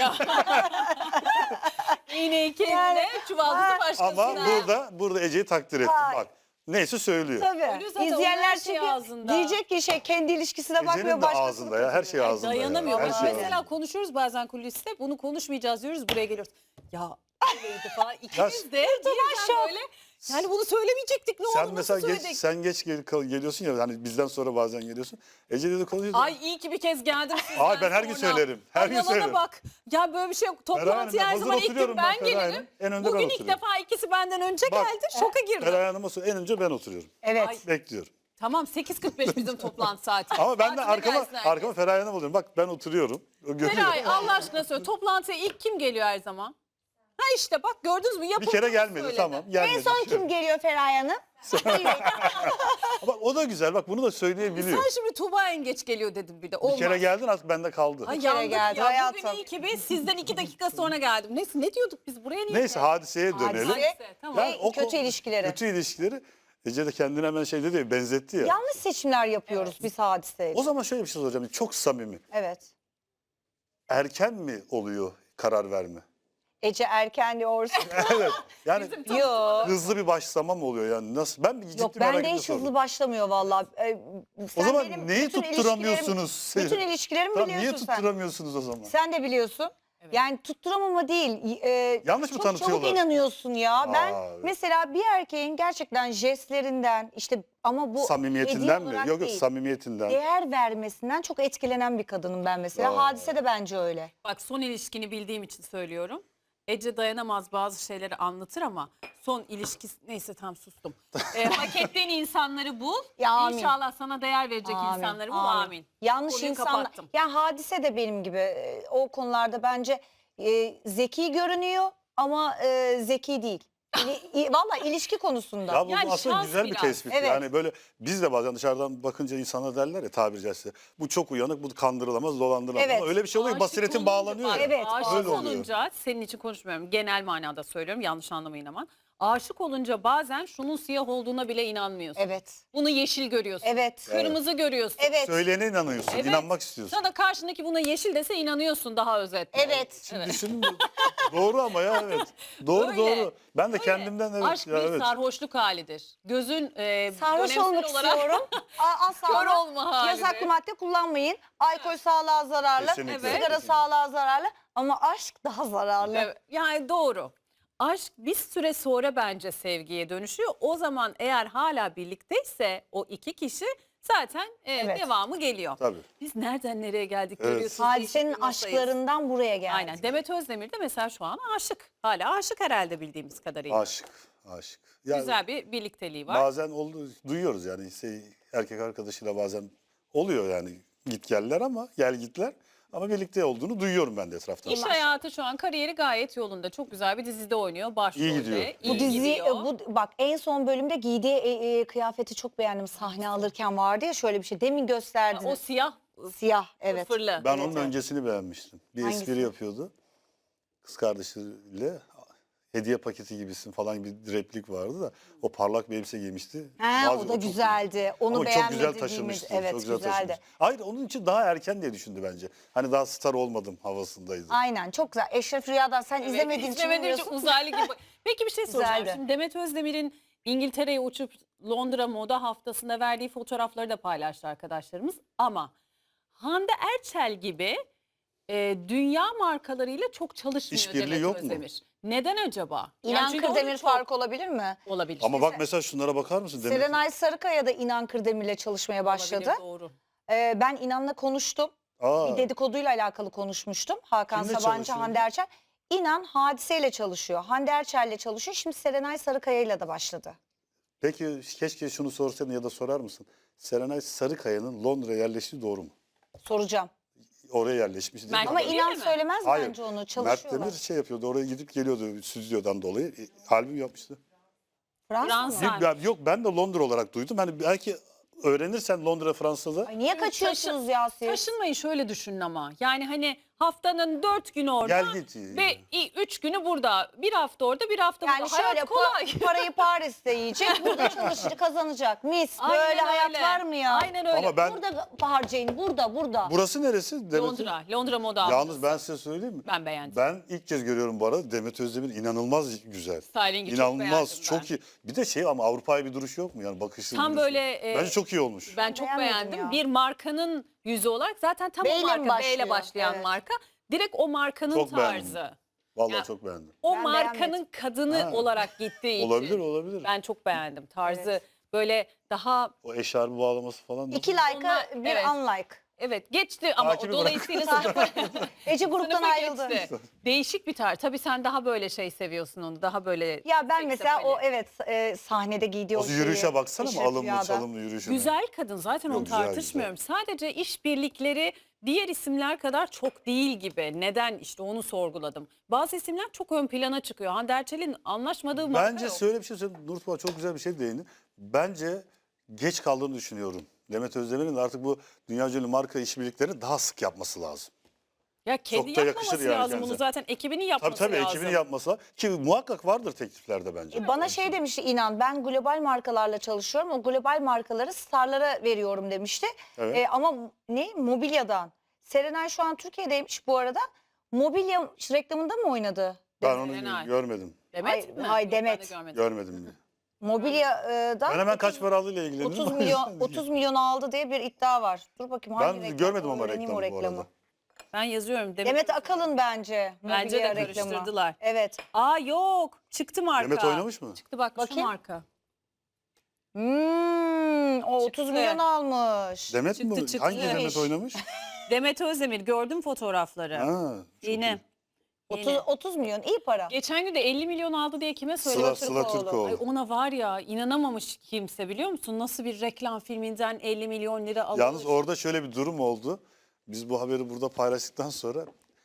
[SPEAKER 1] İğneyi kendine,
[SPEAKER 2] Yani-
[SPEAKER 1] çuvaldızı
[SPEAKER 2] Ha.
[SPEAKER 1] başkasına.
[SPEAKER 3] Ama burada burada Ece'yi takdir ettim.
[SPEAKER 2] Ay.
[SPEAKER 3] Bak neyse söylüyor.
[SPEAKER 2] Tabii.
[SPEAKER 1] Öyle zaten, onun
[SPEAKER 2] İzleyenler
[SPEAKER 1] her şey
[SPEAKER 2] çünkü
[SPEAKER 1] ağzında.
[SPEAKER 2] diyecek ki şey kendi ilişkisine bakmıyor
[SPEAKER 3] Ece'nin de
[SPEAKER 2] başkasını
[SPEAKER 3] ağzında ya. Her şey
[SPEAKER 2] kötülüyor.
[SPEAKER 3] ağzında. ya.
[SPEAKER 1] Dayanamıyor.
[SPEAKER 3] Her
[SPEAKER 1] Bak
[SPEAKER 3] şey
[SPEAKER 1] mesela
[SPEAKER 3] ağzında.
[SPEAKER 1] konuşuyoruz bazen kuliste. Bunu konuşmayacağız diyoruz. Buraya geliyoruz. Ya öyleydi falan.
[SPEAKER 3] Ya-
[SPEAKER 1] İkimiz de birden
[SPEAKER 2] şok.
[SPEAKER 1] böyle. Yani bunu söylemeyecektik. Ne
[SPEAKER 3] Sen
[SPEAKER 1] oldu?
[SPEAKER 3] mesela
[SPEAKER 1] Nasıl
[SPEAKER 3] geç,
[SPEAKER 1] söyledik?
[SPEAKER 3] sen geç gel- kal- geliyorsun ya hani bizden sonra bazen geliyorsun. Ece dedi konuşuyordu.
[SPEAKER 1] Ay iyi ki bir kez geldim sizden
[SPEAKER 3] Ay, ben her gün
[SPEAKER 1] sonra.
[SPEAKER 3] söylerim, her
[SPEAKER 1] Ay,
[SPEAKER 3] gün
[SPEAKER 1] yalana
[SPEAKER 3] söylerim.
[SPEAKER 1] bak. Ya böyle bir şey yok.
[SPEAKER 3] Feraye
[SPEAKER 1] Toplantıya
[SPEAKER 3] Hanım,
[SPEAKER 1] her
[SPEAKER 3] hazır
[SPEAKER 1] zaman ilk gün
[SPEAKER 3] oturuyorum ben
[SPEAKER 1] ben
[SPEAKER 3] Feraye
[SPEAKER 1] gelirim.
[SPEAKER 3] Hanım. En önde ben
[SPEAKER 1] Bugün ilk
[SPEAKER 3] oturuyorum.
[SPEAKER 1] defa ikisi benden önce
[SPEAKER 3] Bak,
[SPEAKER 1] geldi. Şoka girdim.
[SPEAKER 3] Feraye Hanım'a sor- en önce ben oturuyorum.
[SPEAKER 2] Evet.
[SPEAKER 1] Ay.
[SPEAKER 3] Bekliyorum.
[SPEAKER 1] Tamam sekiz kırk beş bizim toplantı saati.
[SPEAKER 3] Ama ben de
[SPEAKER 1] Saatine
[SPEAKER 3] arkama
[SPEAKER 1] gelsin herkes.
[SPEAKER 3] arkama Feraye Hanım oluyorum. Bak ben oturuyorum. O görüyor.
[SPEAKER 1] Feray Allah aşkına söyle. Toplantıya ilk kim geliyor her zaman? Ha işte bak gördünüz mü?
[SPEAKER 3] Bir
[SPEAKER 1] Yapıldığını
[SPEAKER 3] kere gelmedi
[SPEAKER 1] söyledi.
[SPEAKER 3] tamam. Gelmedi.
[SPEAKER 2] En son kim geliyor Feraye Hanım?
[SPEAKER 3] Bak o da güzel. Bak bunu da söyleyebiliyor.
[SPEAKER 1] Sen şimdi Tuğba en geç geliyor dedim bir de. Olmaz.
[SPEAKER 3] Bir kere geldin artık bende kaldı.
[SPEAKER 1] Ay
[SPEAKER 2] kere
[SPEAKER 1] yandık
[SPEAKER 2] geldi
[SPEAKER 1] ya.
[SPEAKER 2] hayatım.
[SPEAKER 1] Bugün iyi ki biz sizden iki dakika sonra geldim. Neyse ne diyorduk biz buraya niye
[SPEAKER 3] Neyse
[SPEAKER 1] geldik?
[SPEAKER 3] hadiseye dönelim.
[SPEAKER 2] Hadise,
[SPEAKER 1] tamam.
[SPEAKER 3] Yani o
[SPEAKER 2] kötü
[SPEAKER 3] konu-
[SPEAKER 2] ilişkileri.
[SPEAKER 3] Kötü ilişkileri. Ece de kendine hemen şey dedi ya, benzetti ya.
[SPEAKER 2] Yanlış seçimler yapıyoruz biz hadiseyle.
[SPEAKER 3] O zaman şöyle bir şey soracağım. Çok samimi.
[SPEAKER 2] Evet.
[SPEAKER 3] Erken mi oluyor karar verme?
[SPEAKER 2] Ece erken diyorsun.
[SPEAKER 3] Evet. Yani
[SPEAKER 2] Yok.
[SPEAKER 3] hızlı bir başlama mı oluyor yani? Nasıl? Ben bir ciddi
[SPEAKER 2] Yok
[SPEAKER 3] merak
[SPEAKER 2] bende
[SPEAKER 3] ettim
[SPEAKER 2] hiç
[SPEAKER 3] sordum.
[SPEAKER 2] hızlı başlamıyor vallahi. Ee,
[SPEAKER 3] O
[SPEAKER 2] sen
[SPEAKER 3] zaman
[SPEAKER 2] benim
[SPEAKER 3] neyi
[SPEAKER 2] bütün
[SPEAKER 3] tutturamıyorsunuz?
[SPEAKER 2] ilişkilerim- Bütün ilişkilerimi
[SPEAKER 3] Tamam, niye
[SPEAKER 2] biliyorsun sen.
[SPEAKER 3] tutturamıyorsunuz o zaman?
[SPEAKER 2] Sen de biliyorsun. Yani tutturamama değil. e,
[SPEAKER 3] Yanlış mı
[SPEAKER 2] çok
[SPEAKER 3] tanıtıyorlar?
[SPEAKER 2] çabuk inanıyorsun ya. Ben
[SPEAKER 3] Aa, evet.
[SPEAKER 2] mesela bir erkeğin gerçekten jestlerinden işte ama bu
[SPEAKER 3] Samimiyetinden
[SPEAKER 2] hediye
[SPEAKER 3] mi?
[SPEAKER 2] olarak
[SPEAKER 3] Yok yok
[SPEAKER 2] değil,
[SPEAKER 3] samimiyetinden.
[SPEAKER 2] değer vermesinden çok etkilenen bir kadınım ben mesela.
[SPEAKER 3] Aa.
[SPEAKER 2] Hadise de bence öyle.
[SPEAKER 1] Bak son ilişkini bildiğim için söylüyorum. Ece dayanamaz bazı şeyleri anlatır ama son ilişkisi neyse tam sustum. e, hak ettiğin insanları bul.
[SPEAKER 2] Ya, amin.
[SPEAKER 1] İnşallah sana değer verecek
[SPEAKER 2] Amin,
[SPEAKER 1] insanları bul.
[SPEAKER 2] amin.
[SPEAKER 1] Amin.
[SPEAKER 2] Yanlış
[SPEAKER 1] Konuyu
[SPEAKER 2] insanlar.
[SPEAKER 1] kapattım.
[SPEAKER 2] Ya hadise de benim gibi e, o konularda bence e, zeki görünüyor ama e, zeki değil. İli- i- Valla ilişki konusunda.
[SPEAKER 3] Ya bu
[SPEAKER 1] Yani
[SPEAKER 3] aslında
[SPEAKER 1] şans
[SPEAKER 3] güzel bir
[SPEAKER 1] biraz.
[SPEAKER 3] tespit.
[SPEAKER 2] Evet.
[SPEAKER 3] Yani böyle biz de bazen dışarıdan bakınca insanlar derler ya tabiri caizse. Bu çok uyanık, bu kandırılamaz, dolandırılamaz.
[SPEAKER 2] Evet.
[SPEAKER 3] Ama öyle bir şey oluyor ki
[SPEAKER 1] Aşık
[SPEAKER 3] basiretin
[SPEAKER 1] olunca-
[SPEAKER 3] bağlanıyor ya.
[SPEAKER 2] Evet,
[SPEAKER 1] Aşık
[SPEAKER 3] Öyle oluyor.
[SPEAKER 1] olunca senin için konuşmuyorum. Genel manada söylüyorum. Yanlış anlamayın aman. Aşık olunca bazen şunun siyah olduğuna bile inanmıyorsun.
[SPEAKER 2] Evet.
[SPEAKER 1] Bunu yeşil görüyorsun.
[SPEAKER 2] Evet.
[SPEAKER 1] Kırmızı görüyorsun.
[SPEAKER 2] Evet.
[SPEAKER 3] Söyleyene inanıyorsun,
[SPEAKER 1] Evet.
[SPEAKER 3] inanmak istiyorsun.
[SPEAKER 1] Sana karşındaki buna yeşil dese inanıyorsun daha özetle.
[SPEAKER 2] Evet.
[SPEAKER 3] Şimdi düşünün de- doğru ama ya evet. Doğru
[SPEAKER 1] Öyle.
[SPEAKER 3] doğru. Ben de
[SPEAKER 1] Öyle.
[SPEAKER 3] kendimden evet.
[SPEAKER 1] Aşk
[SPEAKER 3] ya,
[SPEAKER 1] bir
[SPEAKER 3] evet.
[SPEAKER 1] sarhoşluk halidir. Gözün e,
[SPEAKER 2] Sarhoş
[SPEAKER 1] dönemsel
[SPEAKER 2] olmak
[SPEAKER 1] olarak
[SPEAKER 2] istiyorum. A- Asla
[SPEAKER 1] kör
[SPEAKER 2] ama
[SPEAKER 1] olma halidir.
[SPEAKER 2] yasaklı madde kullanmayın. Alkol sağlığa zararlı.
[SPEAKER 3] Kesinlikle.
[SPEAKER 2] Sigara
[SPEAKER 3] Kesinlikle.
[SPEAKER 2] sağlığa zararlı. Ama aşk daha zararlı.
[SPEAKER 1] Evet, yani doğru. Aşk bir süre sonra bence sevgiye dönüşüyor. O zaman eğer hala birlikteyse o iki kişi zaten e,
[SPEAKER 2] Evet.
[SPEAKER 1] devamı geliyor.
[SPEAKER 3] Tabii.
[SPEAKER 1] Biz nereden nereye geldik
[SPEAKER 3] Evet.
[SPEAKER 1] görüyorsunuz.
[SPEAKER 2] Hadisenin
[SPEAKER 1] değişik bir noktayız.
[SPEAKER 2] aşklarından buraya geldi.
[SPEAKER 1] Aynen. Demet Özdemir de mesela şu an aşık. Hala aşık herhalde bildiğimiz kadarıyla.
[SPEAKER 3] Aşık, aşık. Yani
[SPEAKER 1] Güzel bir birlikteliği var.
[SPEAKER 3] bazen oldu, duyuyoruz yani şey, erkek arkadaşıyla bazen oluyor yani git geller ama gel gitler. Ama birlikte olduğunu duyuyorum ben de etraftan.
[SPEAKER 1] İş hayatı şu an kariyeri gayet yolunda. Çok güzel bir dizide oynuyor. Başrolde.
[SPEAKER 3] İyi gidiyor.
[SPEAKER 2] Bu
[SPEAKER 1] iyi
[SPEAKER 2] dizi
[SPEAKER 1] gidiyor.
[SPEAKER 2] e, bu bak en son bölümde giydiği e, e, kıyafeti çok beğendim. Sahne alırken vardı ya şöyle bir şey. Demin gösterdiniz.
[SPEAKER 1] O siyah
[SPEAKER 2] Siyah evet.
[SPEAKER 1] fırlı.
[SPEAKER 3] Ben
[SPEAKER 2] Evet,
[SPEAKER 3] onun
[SPEAKER 2] evet.
[SPEAKER 3] öncesini beğenmiştim. Bir
[SPEAKER 2] Hangisi?
[SPEAKER 3] espri yapıyordu. Kız kardeşiyle hediye paketi gibisin falan bir replik vardı da o parlak bir elbise giymişti.
[SPEAKER 2] Ha,
[SPEAKER 3] Bazı-
[SPEAKER 2] o da
[SPEAKER 3] çok-
[SPEAKER 2] güzeldi. Onu
[SPEAKER 3] Ama çok
[SPEAKER 2] beğenmedi
[SPEAKER 3] güzel
[SPEAKER 2] değil
[SPEAKER 3] taşımıştı.
[SPEAKER 2] mi? Evet
[SPEAKER 3] çok güzel
[SPEAKER 2] güzeldi.
[SPEAKER 3] taşımıştı. Hayır onun için daha erken diye düşündü bence. Hani daha star olmadım havasındaydı.
[SPEAKER 2] Aynen çok güzel. Eşref Rüya'dan sen
[SPEAKER 1] Evet,
[SPEAKER 2] izlemediğin için
[SPEAKER 1] izlemediğim için
[SPEAKER 2] bilmiyorsun.
[SPEAKER 1] uzaylı gibi. Peki bir şey soracağım.
[SPEAKER 2] Güzeldi.
[SPEAKER 1] Şimdi Demet Özdemir'in İngiltere'ye uçup Londra Moda Haftası'nda verdiği fotoğrafları da paylaştı arkadaşlarımız. Ama Hande Erçel gibi e, dünya markalarıyla çok çalışmıyor
[SPEAKER 3] İşbirliği
[SPEAKER 1] Demet
[SPEAKER 3] yok mu?
[SPEAKER 1] Özdemir. Neden acaba?
[SPEAKER 2] İnan
[SPEAKER 1] çünkü onun
[SPEAKER 2] Kırdemir
[SPEAKER 1] çok
[SPEAKER 2] farkı olabilir mi?
[SPEAKER 1] olabilir.
[SPEAKER 3] Ama bak mesela şunlara bakar mısın? Demet?
[SPEAKER 2] Serenay Sarıkaya da İnan Kırdemir'le çalışmaya başladı.
[SPEAKER 1] Olabilir, doğru.
[SPEAKER 2] Ee, ben İnan'la konuştum.
[SPEAKER 3] Aa,
[SPEAKER 2] Bir dedikoduyla alakalı konuşmuştum. Hakan
[SPEAKER 3] Kimle
[SPEAKER 2] Sabancı,
[SPEAKER 3] çalışıyordu?
[SPEAKER 2] Hande Erçel. İnan Hadise'yle çalışıyor. Hande Erçel'le çalışıyor. Şimdi Serenay Sarıkaya'yla da başladı.
[SPEAKER 3] peki keşke şunu sorsaydın ya da sorar mısın? Serenay Sarıkaya'nın Londra'ya yerleştiği doğru mu?
[SPEAKER 2] Soracağım.
[SPEAKER 3] Oraya yerleşmiş değil mi?
[SPEAKER 1] Mert
[SPEAKER 2] Ama
[SPEAKER 1] Demir
[SPEAKER 2] İnan
[SPEAKER 1] mi?
[SPEAKER 2] söylemez
[SPEAKER 3] Hayır.
[SPEAKER 2] bence onu.
[SPEAKER 3] Mert
[SPEAKER 2] Çalışıyorlar.
[SPEAKER 3] Demir şey yapıyordu oraya gidip geliyordu stüdyodan dolayı. E, albüm yapmıştı.
[SPEAKER 2] Fransa
[SPEAKER 1] Fransa.
[SPEAKER 2] mı?
[SPEAKER 1] Ha.
[SPEAKER 3] Ben- yok ben de Londra olarak duydum. Hani belki öğrenirsen Londra Fransa'da
[SPEAKER 2] Ay niye kaçıyorsunuz ya siz?
[SPEAKER 1] Taşınmayı şöyle düşünün ama. Yani hani haftanın dört günü orada
[SPEAKER 3] Gel git.
[SPEAKER 1] ve i- üç günü burada. Bir hafta orada, bir hafta
[SPEAKER 2] Yani
[SPEAKER 1] burada.
[SPEAKER 2] şöyle
[SPEAKER 1] Hayat kolay.
[SPEAKER 2] pa- parayı Paris'te yiyecek, burada çalışacak, kazanacak. Mis.
[SPEAKER 1] Aynen
[SPEAKER 2] Böyle hayat
[SPEAKER 1] öyle.
[SPEAKER 2] var mı ya?
[SPEAKER 1] Aynen öyle.
[SPEAKER 3] Ama ben
[SPEAKER 2] Burada harcayın, burada, burada.
[SPEAKER 3] burası neresi? Demet-
[SPEAKER 1] Londra, Londra Moda
[SPEAKER 3] Yalnız
[SPEAKER 1] Haftası.
[SPEAKER 3] ben size söyleyeyim mi?
[SPEAKER 1] Ben beğendim.
[SPEAKER 3] Ben ilk kez görüyorum bu arada Demet Özdemir inanılmaz güzel.
[SPEAKER 1] Styling'i çok
[SPEAKER 3] İnanılmaz
[SPEAKER 1] beğendim
[SPEAKER 3] çok,
[SPEAKER 1] ben.
[SPEAKER 3] iyi. Bir de şey ama Avrupa'ya bir duruş yok mu yani bakışı?
[SPEAKER 1] Tam
[SPEAKER 3] duruşu.
[SPEAKER 1] böyle, e,
[SPEAKER 3] Bence çok iyi olmuş.
[SPEAKER 1] Ben çok
[SPEAKER 2] Beğenmedim
[SPEAKER 1] beğendim.
[SPEAKER 2] ya.
[SPEAKER 1] Bir markanın yüzü olarak zaten tam
[SPEAKER 2] B
[SPEAKER 1] o
[SPEAKER 2] ile mi
[SPEAKER 1] marka, B
[SPEAKER 2] başlıyor?
[SPEAKER 1] ile başlayan
[SPEAKER 2] Evet.
[SPEAKER 1] marka. Direkt o markanın
[SPEAKER 3] Çok beğendim.
[SPEAKER 1] tarzı.
[SPEAKER 3] Vallahi
[SPEAKER 1] Ya-
[SPEAKER 3] çok beğendim.
[SPEAKER 1] O
[SPEAKER 2] Ben
[SPEAKER 1] markanın
[SPEAKER 2] beğenmedim.
[SPEAKER 1] kadını
[SPEAKER 3] Ha.
[SPEAKER 1] olarak gittiği için.
[SPEAKER 3] Olabilir olabilir.
[SPEAKER 1] Ben çok beğendim. Tarzı
[SPEAKER 2] Evet.
[SPEAKER 1] böyle daha
[SPEAKER 3] O eşarbı bağlaması falan.
[SPEAKER 2] İki like'a
[SPEAKER 1] Onlar-
[SPEAKER 2] bir
[SPEAKER 1] evet.
[SPEAKER 2] unlike.
[SPEAKER 1] evet geçti ama
[SPEAKER 3] Takibi
[SPEAKER 1] o dolayısıyla sınıfa,
[SPEAKER 2] Ece gruptan
[SPEAKER 1] sınıfa
[SPEAKER 2] ayrıldı.
[SPEAKER 1] geçti. Değişik bir tarz. Tabii sen daha böyle şey seviyorsun onu. Daha böyle
[SPEAKER 2] Ya ben mesela
[SPEAKER 1] seksapeli.
[SPEAKER 2] o evet e, sahnede giydiği o,
[SPEAKER 3] O
[SPEAKER 2] şeyi,
[SPEAKER 3] yürüyüşe baksana mı
[SPEAKER 2] Eşref
[SPEAKER 3] alımlı
[SPEAKER 2] Rüya'da.
[SPEAKER 3] çalımlı yürüyüşüne.
[SPEAKER 1] Güzel kadın zaten
[SPEAKER 3] Yok,
[SPEAKER 1] onu
[SPEAKER 3] güzel,
[SPEAKER 1] tartışmıyorum. Sadece işbirlikleri diğer isimler kadar çok değil gibi. Neden işte onu sorguladım. Bazı isimler çok ön plana çıkıyor. Hande Erçel'in anlaşmadığı marka
[SPEAKER 3] Bence
[SPEAKER 1] yok.
[SPEAKER 3] şöyle bir şey söyleyeyim. Nurtuba çok güzel bir şey değindi. Bence geç kaldığını düşünüyorum. Demet Özdemir'in de artık bu dünya ünlü marka işbirliklerini daha sık yapması lazım.
[SPEAKER 1] Ya kedi
[SPEAKER 3] Çok da
[SPEAKER 1] yapmaması
[SPEAKER 3] yakışır yani
[SPEAKER 1] lazım
[SPEAKER 3] kendisine.
[SPEAKER 1] bunu zaten ekibinin
[SPEAKER 3] Tabii
[SPEAKER 1] yapması
[SPEAKER 3] tabii
[SPEAKER 1] lazım.
[SPEAKER 3] ekibini yapması lazım. Ki muhakkak vardır tekliflerde bence.
[SPEAKER 2] E, Bana şey demişti İnan, ben global markalarla çalışıyorum. O global markaları starlara veriyorum demişti.
[SPEAKER 3] Evet.
[SPEAKER 2] E, ama ne? Mobilyadan. Serenay şu an Türkiye'deymiş bu arada. Mobilya reklamında mı oynadı?
[SPEAKER 3] Ben onu
[SPEAKER 1] Serenay.
[SPEAKER 3] gö- görmedim.
[SPEAKER 1] Demet
[SPEAKER 2] Hay-
[SPEAKER 1] mi?
[SPEAKER 2] hay
[SPEAKER 1] Yok, ben de
[SPEAKER 2] Demet.
[SPEAKER 1] görmedim.
[SPEAKER 3] Görmedim.
[SPEAKER 2] Mobilyadan
[SPEAKER 3] Ben hemen kaç para aldığıyla ilgileniyorum.
[SPEAKER 2] otuz milyon otuz milyon aldı diye bir iddia var. Dur bakayım hangi
[SPEAKER 3] Ben
[SPEAKER 2] reklam?
[SPEAKER 3] görmedim ama
[SPEAKER 2] Öğreneyim o
[SPEAKER 3] reklamı bu arada.
[SPEAKER 1] Ben yazıyorum. Demet,
[SPEAKER 2] Demet Akalın bence.
[SPEAKER 1] Bence de
[SPEAKER 2] mobilya reklamı.
[SPEAKER 1] karıştırdılar.
[SPEAKER 2] Evet.
[SPEAKER 1] Aa yok. Çıktı marka.
[SPEAKER 3] Demet oynamış mı?
[SPEAKER 1] Çıktı bak şu
[SPEAKER 2] Bakayım.
[SPEAKER 1] marka.
[SPEAKER 2] Hmm, o otuz
[SPEAKER 1] Çıktı.
[SPEAKER 2] milyon almış.
[SPEAKER 3] Demet
[SPEAKER 1] Çıktı,
[SPEAKER 3] mi?
[SPEAKER 1] çıktı.
[SPEAKER 3] Hangi Demet
[SPEAKER 2] İyiymiş.
[SPEAKER 3] oynamış?
[SPEAKER 1] Demet Özdemir gördüm fotoğrafları.
[SPEAKER 3] Ha, çok
[SPEAKER 1] Yine.
[SPEAKER 3] iyi.
[SPEAKER 2] otuz,
[SPEAKER 1] Yine.
[SPEAKER 2] otuz milyon iyi para.
[SPEAKER 1] Geçen gün de elli milyon aldı diye kime
[SPEAKER 3] Sıla,
[SPEAKER 1] söyledi?
[SPEAKER 3] Sıla
[SPEAKER 2] Türkoğlu.
[SPEAKER 3] Türkoğlu.
[SPEAKER 1] Ay ona var ya inanamamış kimse biliyor musun? Nasıl bir reklam filminden elli milyon lira alıyor.
[SPEAKER 3] Yalnız orada şöyle bir durum oldu. Biz bu haberi burada paylaştıktan sonra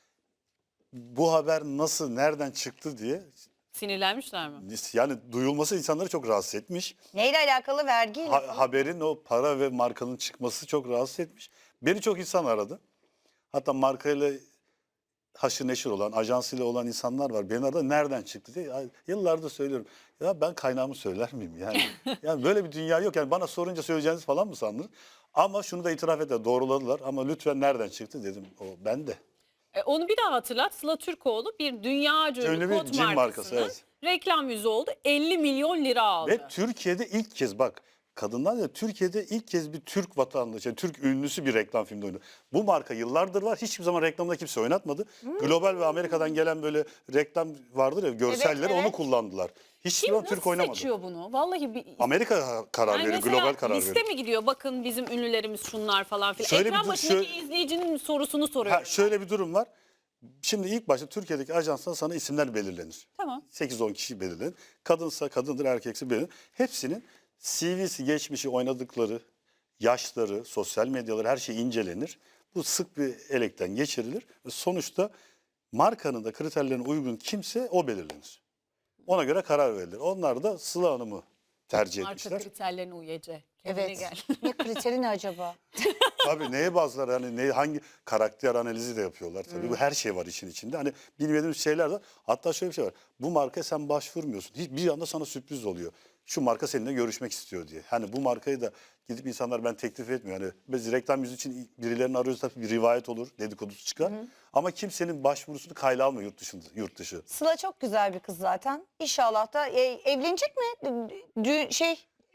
[SPEAKER 3] bu haber nasıl, nereden çıktı diye
[SPEAKER 1] Sinirlenmişler mi?
[SPEAKER 3] yani duyulması insanları çok rahatsız etmiş.
[SPEAKER 2] Neyle alakalı? Vergiyle.
[SPEAKER 3] Ha- haberin o para ve markanın çıkması çok rahatsız etmiş. Beni çok insan aradı. Hatta markayla haşır neşir olan, ajansıyla olan insanlar var. Beni aradı nereden çıktı diye. Ay, yıllardır söylüyorum. Ya ben kaynağımı söyler miyim yani? Yani böyle bir dünya yok. Yani bana sorunca söyleyeceğiniz falan mı sandınız? Ama şunu da itiraf ettiler. Doğruladılar. Ama lütfen nereden çıktı dedim. O ben de.
[SPEAKER 1] E, onu bir daha hatırlat. Sıla Türkoğlu bir dünyaca ünlü
[SPEAKER 3] Ünlü bir
[SPEAKER 1] kot
[SPEAKER 3] cin markası,
[SPEAKER 1] markasının
[SPEAKER 3] evet.
[SPEAKER 1] reklam yüzü oldu. elli milyon lira aldı.
[SPEAKER 3] Ve Türkiye'de ilk kez bak kadınlar ya Türkiye'de ilk kez bir Türk vatandaşı, yani Türk ünlüsü bir reklam filmde oynadı. Bu marka yıllardır var. Hiçbir zaman reklamda kimse oynatmadı. Global ve Amerika'dan gelen böyle reklam vardır ya görselleri
[SPEAKER 2] Evet,
[SPEAKER 3] onu
[SPEAKER 2] evet.
[SPEAKER 3] kullandılar. Hiçbir
[SPEAKER 1] Kim
[SPEAKER 3] zaman
[SPEAKER 1] nasıl
[SPEAKER 3] Türk oynamadı.
[SPEAKER 1] seçiyor bunu? Vallahi bir...
[SPEAKER 3] Amerika karar
[SPEAKER 1] Yani
[SPEAKER 3] veriyor,
[SPEAKER 1] mesela
[SPEAKER 3] global karar
[SPEAKER 1] liste
[SPEAKER 3] veriyor.
[SPEAKER 1] mi gidiyor? Bakın bizim ünlülerimiz şunlar falan filan.
[SPEAKER 3] Şöyle bir
[SPEAKER 1] Ekran
[SPEAKER 3] dur-
[SPEAKER 1] başındaki
[SPEAKER 3] şöyle-
[SPEAKER 1] izleyicinin sorusunu soruyorum.
[SPEAKER 3] Ha, şöyle bir durum var. Şimdi ilk başta Türkiye'deki ajanstan sana isimler belirlenir.
[SPEAKER 1] Tamam.
[SPEAKER 3] sekiz on kişi belirlenir. Kadınsa kadındır, erkekse belirlenir. Hepsinin C V'si, geçmişi, oynadıkları, yaşları, sosyal medyaları her şey incelenir. Bu sık bir elekten geçirilir. Ve sonuçta markanın da kriterlerine uygun kimse o belirlenir. Ona göre karar verilir. Onlar da Sıla Hanım'ı tercih
[SPEAKER 1] Marka
[SPEAKER 3] etmişler.
[SPEAKER 1] kriterlerine uyece. Kendine
[SPEAKER 2] Evet.
[SPEAKER 1] gel.
[SPEAKER 2] Ne kriteri ne acaba?
[SPEAKER 3] Tabii neye bazılar hani ne, hangi karakter analizi de yapıyorlar tabii.
[SPEAKER 1] Hmm.
[SPEAKER 3] Bu her şey var işin içinde. Hani bilmediğimiz şeyler var. Hatta şöyle bir şey var. Bu markaya sen başvurmuyorsun. Hiç- Bir anda sana sürpriz oluyor. Şu marka seninle görüşmek istiyor diye. Hani bu markayı da gidip insanlar ben teklif etmiyor. Hani biz reklam yüzü için birilerini arıyoruz tabii bir rivayet olur, dedikodusu çıkar. Ama kimsenin başvurusunu kayla almıyor yurt dışında, yurt dışı.
[SPEAKER 2] Sıla çok güzel bir kız zaten. İnşallah da e, evlenecek mi? Dü- şey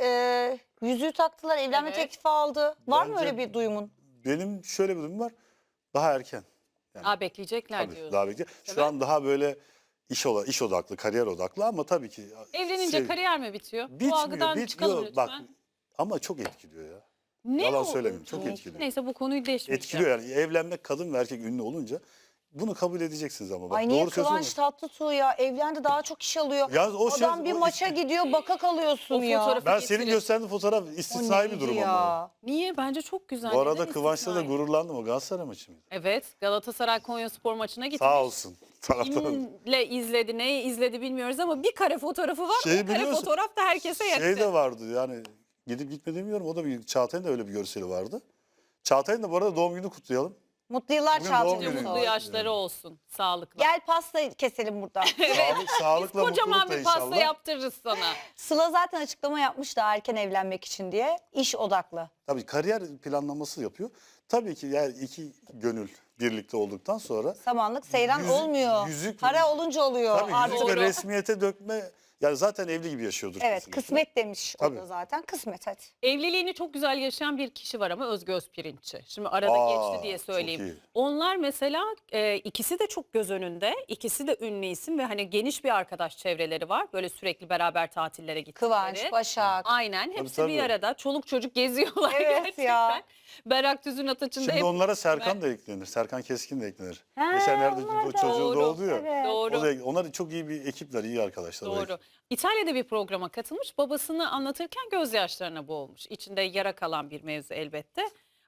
[SPEAKER 2] e, yüzüğü taktılar, evlenme
[SPEAKER 1] Evet.
[SPEAKER 2] teklifi aldı. Var mı
[SPEAKER 3] Bence-
[SPEAKER 2] öyle bir duyumun?
[SPEAKER 3] Benim şöyle bir durum var. Daha erken.
[SPEAKER 1] Aa bekleyecekler
[SPEAKER 3] Tabii,
[SPEAKER 1] diyorsun.
[SPEAKER 3] daha bekle. Şu
[SPEAKER 1] Değil mi?
[SPEAKER 3] an daha böyle iş ola, iş odaklı, kariyer odaklı ama tabii ki
[SPEAKER 1] Evlenince
[SPEAKER 3] sev-
[SPEAKER 1] kariyer mi bitiyor? Bu
[SPEAKER 3] bitmiyor,
[SPEAKER 1] algıdan çıkalım
[SPEAKER 3] bitmiyor.
[SPEAKER 1] lütfen.
[SPEAKER 3] Bak ama çok etkiliyor ya.
[SPEAKER 1] Ne
[SPEAKER 3] yalan
[SPEAKER 1] o-
[SPEAKER 3] söylemeyeyim, çok etkiliyor.
[SPEAKER 1] Neyse bu konuyu değişmeyeceğim.
[SPEAKER 3] Etkiliyor yani evlenmek kadın ve erkek ünlü olunca bunu kabul edeceksiniz ama. Bak,
[SPEAKER 2] Ay niye
[SPEAKER 3] doğru söylüyorsun
[SPEAKER 2] Kıvanç Tatlıtuğ ya evlendi daha çok iş alıyor.
[SPEAKER 3] Ya o şey-
[SPEAKER 2] Adam bir
[SPEAKER 3] o
[SPEAKER 2] maça
[SPEAKER 3] işte-
[SPEAKER 2] gidiyor baka kalıyorsun
[SPEAKER 1] O
[SPEAKER 2] ya.
[SPEAKER 1] fotoğrafı-
[SPEAKER 3] Ben senin
[SPEAKER 1] getirin.
[SPEAKER 3] gösterdiğin fotoğraf
[SPEAKER 2] O
[SPEAKER 3] istisnai bir
[SPEAKER 2] neydi
[SPEAKER 3] durum
[SPEAKER 2] ya?
[SPEAKER 3] ama.
[SPEAKER 1] Niye? Bence çok güzel.
[SPEAKER 3] Bu arada
[SPEAKER 1] Neden
[SPEAKER 3] Kıvanç'ta da
[SPEAKER 1] istisnai?
[SPEAKER 3] gururlandım o Galatasaray maçı mıydı?
[SPEAKER 1] Evet Galatasaray Konyaspor maçına gitmiş.
[SPEAKER 3] Sağ olsun. Taraftarım.
[SPEAKER 1] Kimle izledi, neyi izledi bilmiyoruz ama bir kare fotoğrafı var.
[SPEAKER 3] Şeyi
[SPEAKER 1] o kare
[SPEAKER 3] biliyorsun,
[SPEAKER 1] fotoğraf da herkese yetti.
[SPEAKER 3] Şey de vardı yani gidip gitme demiyorum o da bir Çağatay'ın da öyle bir görseli vardı. Çağatay'ın da bu arada doğum günü kutlayalım.
[SPEAKER 2] Mutlu yıllar
[SPEAKER 3] Bugün doğum
[SPEAKER 2] Çağatay'cığım.
[SPEAKER 3] günü.
[SPEAKER 1] Mutlu yaşları olsun. Sağlıkla.
[SPEAKER 2] Gel pasta keselim burada.
[SPEAKER 3] Sağlık, sağlıkla
[SPEAKER 1] Kocaman
[SPEAKER 3] mutlulukla
[SPEAKER 1] bir pasta
[SPEAKER 3] inşallah.
[SPEAKER 1] yaptırırız sana.
[SPEAKER 2] Sıla zaten açıklama yapmış da erken evlenmek için diye. İş odaklı.
[SPEAKER 3] Tabii kariyer planlaması yapıyor. Tabii ki yani iki gönül birlikte olduktan sonra
[SPEAKER 2] Samanlık seyran
[SPEAKER 3] Yüzük-
[SPEAKER 2] olmuyor.
[SPEAKER 3] yüzük-
[SPEAKER 2] Para olunca oluyor.
[SPEAKER 3] tabii
[SPEAKER 2] Artık-
[SPEAKER 3] yüzük ve
[SPEAKER 1] Doğru.
[SPEAKER 3] resmiyete dökme yani zaten evli gibi yaşıyordur.
[SPEAKER 2] Evet
[SPEAKER 3] kesinlikle.
[SPEAKER 2] kısmet demiş o
[SPEAKER 3] Tabii.
[SPEAKER 2] da zaten. Kısmet hadi.
[SPEAKER 1] Evliliğini çok güzel yaşayan bir kişi var ama Özge Özpirinççi. Şimdi arada
[SPEAKER 3] Aa,
[SPEAKER 1] geçti diye
[SPEAKER 3] çok
[SPEAKER 1] söyleyeyim.
[SPEAKER 3] iyi.
[SPEAKER 1] Onlar mesela e, ikisi de çok göz önünde. İkisi de ünlü isim ve hani geniş bir arkadaş çevreleri var. Böyle sürekli beraber tatillere gittikleri.
[SPEAKER 2] Kıvanç, Başak.
[SPEAKER 1] Aynen hepsi
[SPEAKER 3] tabii.
[SPEAKER 1] bir arada. Çoluk çocuk geziyorlar
[SPEAKER 2] Evet
[SPEAKER 1] gerçekten.
[SPEAKER 2] ya.
[SPEAKER 1] Berak Tüzün Ataç'ın da
[SPEAKER 3] Şimdi
[SPEAKER 1] hep...
[SPEAKER 3] onlara Serkan da eklenir. Serkan Keskin de eklenir.
[SPEAKER 2] Ha,
[SPEAKER 3] Geçenlerde
[SPEAKER 2] onlar
[SPEAKER 3] bu
[SPEAKER 2] da.
[SPEAKER 3] çocuğu
[SPEAKER 1] Doğru,
[SPEAKER 3] doğdu ya.
[SPEAKER 2] evet.
[SPEAKER 1] Doğru.
[SPEAKER 3] O da, onlar çok iyi bir ekipler, iyi arkadaşlar. o
[SPEAKER 1] Doğru.
[SPEAKER 3] ekip.
[SPEAKER 1] İtalya'da bir programa katılmış. Babasını anlatırken gözyaşlarına boğulmuş. İçinde yara kalan bir mevzu elbette.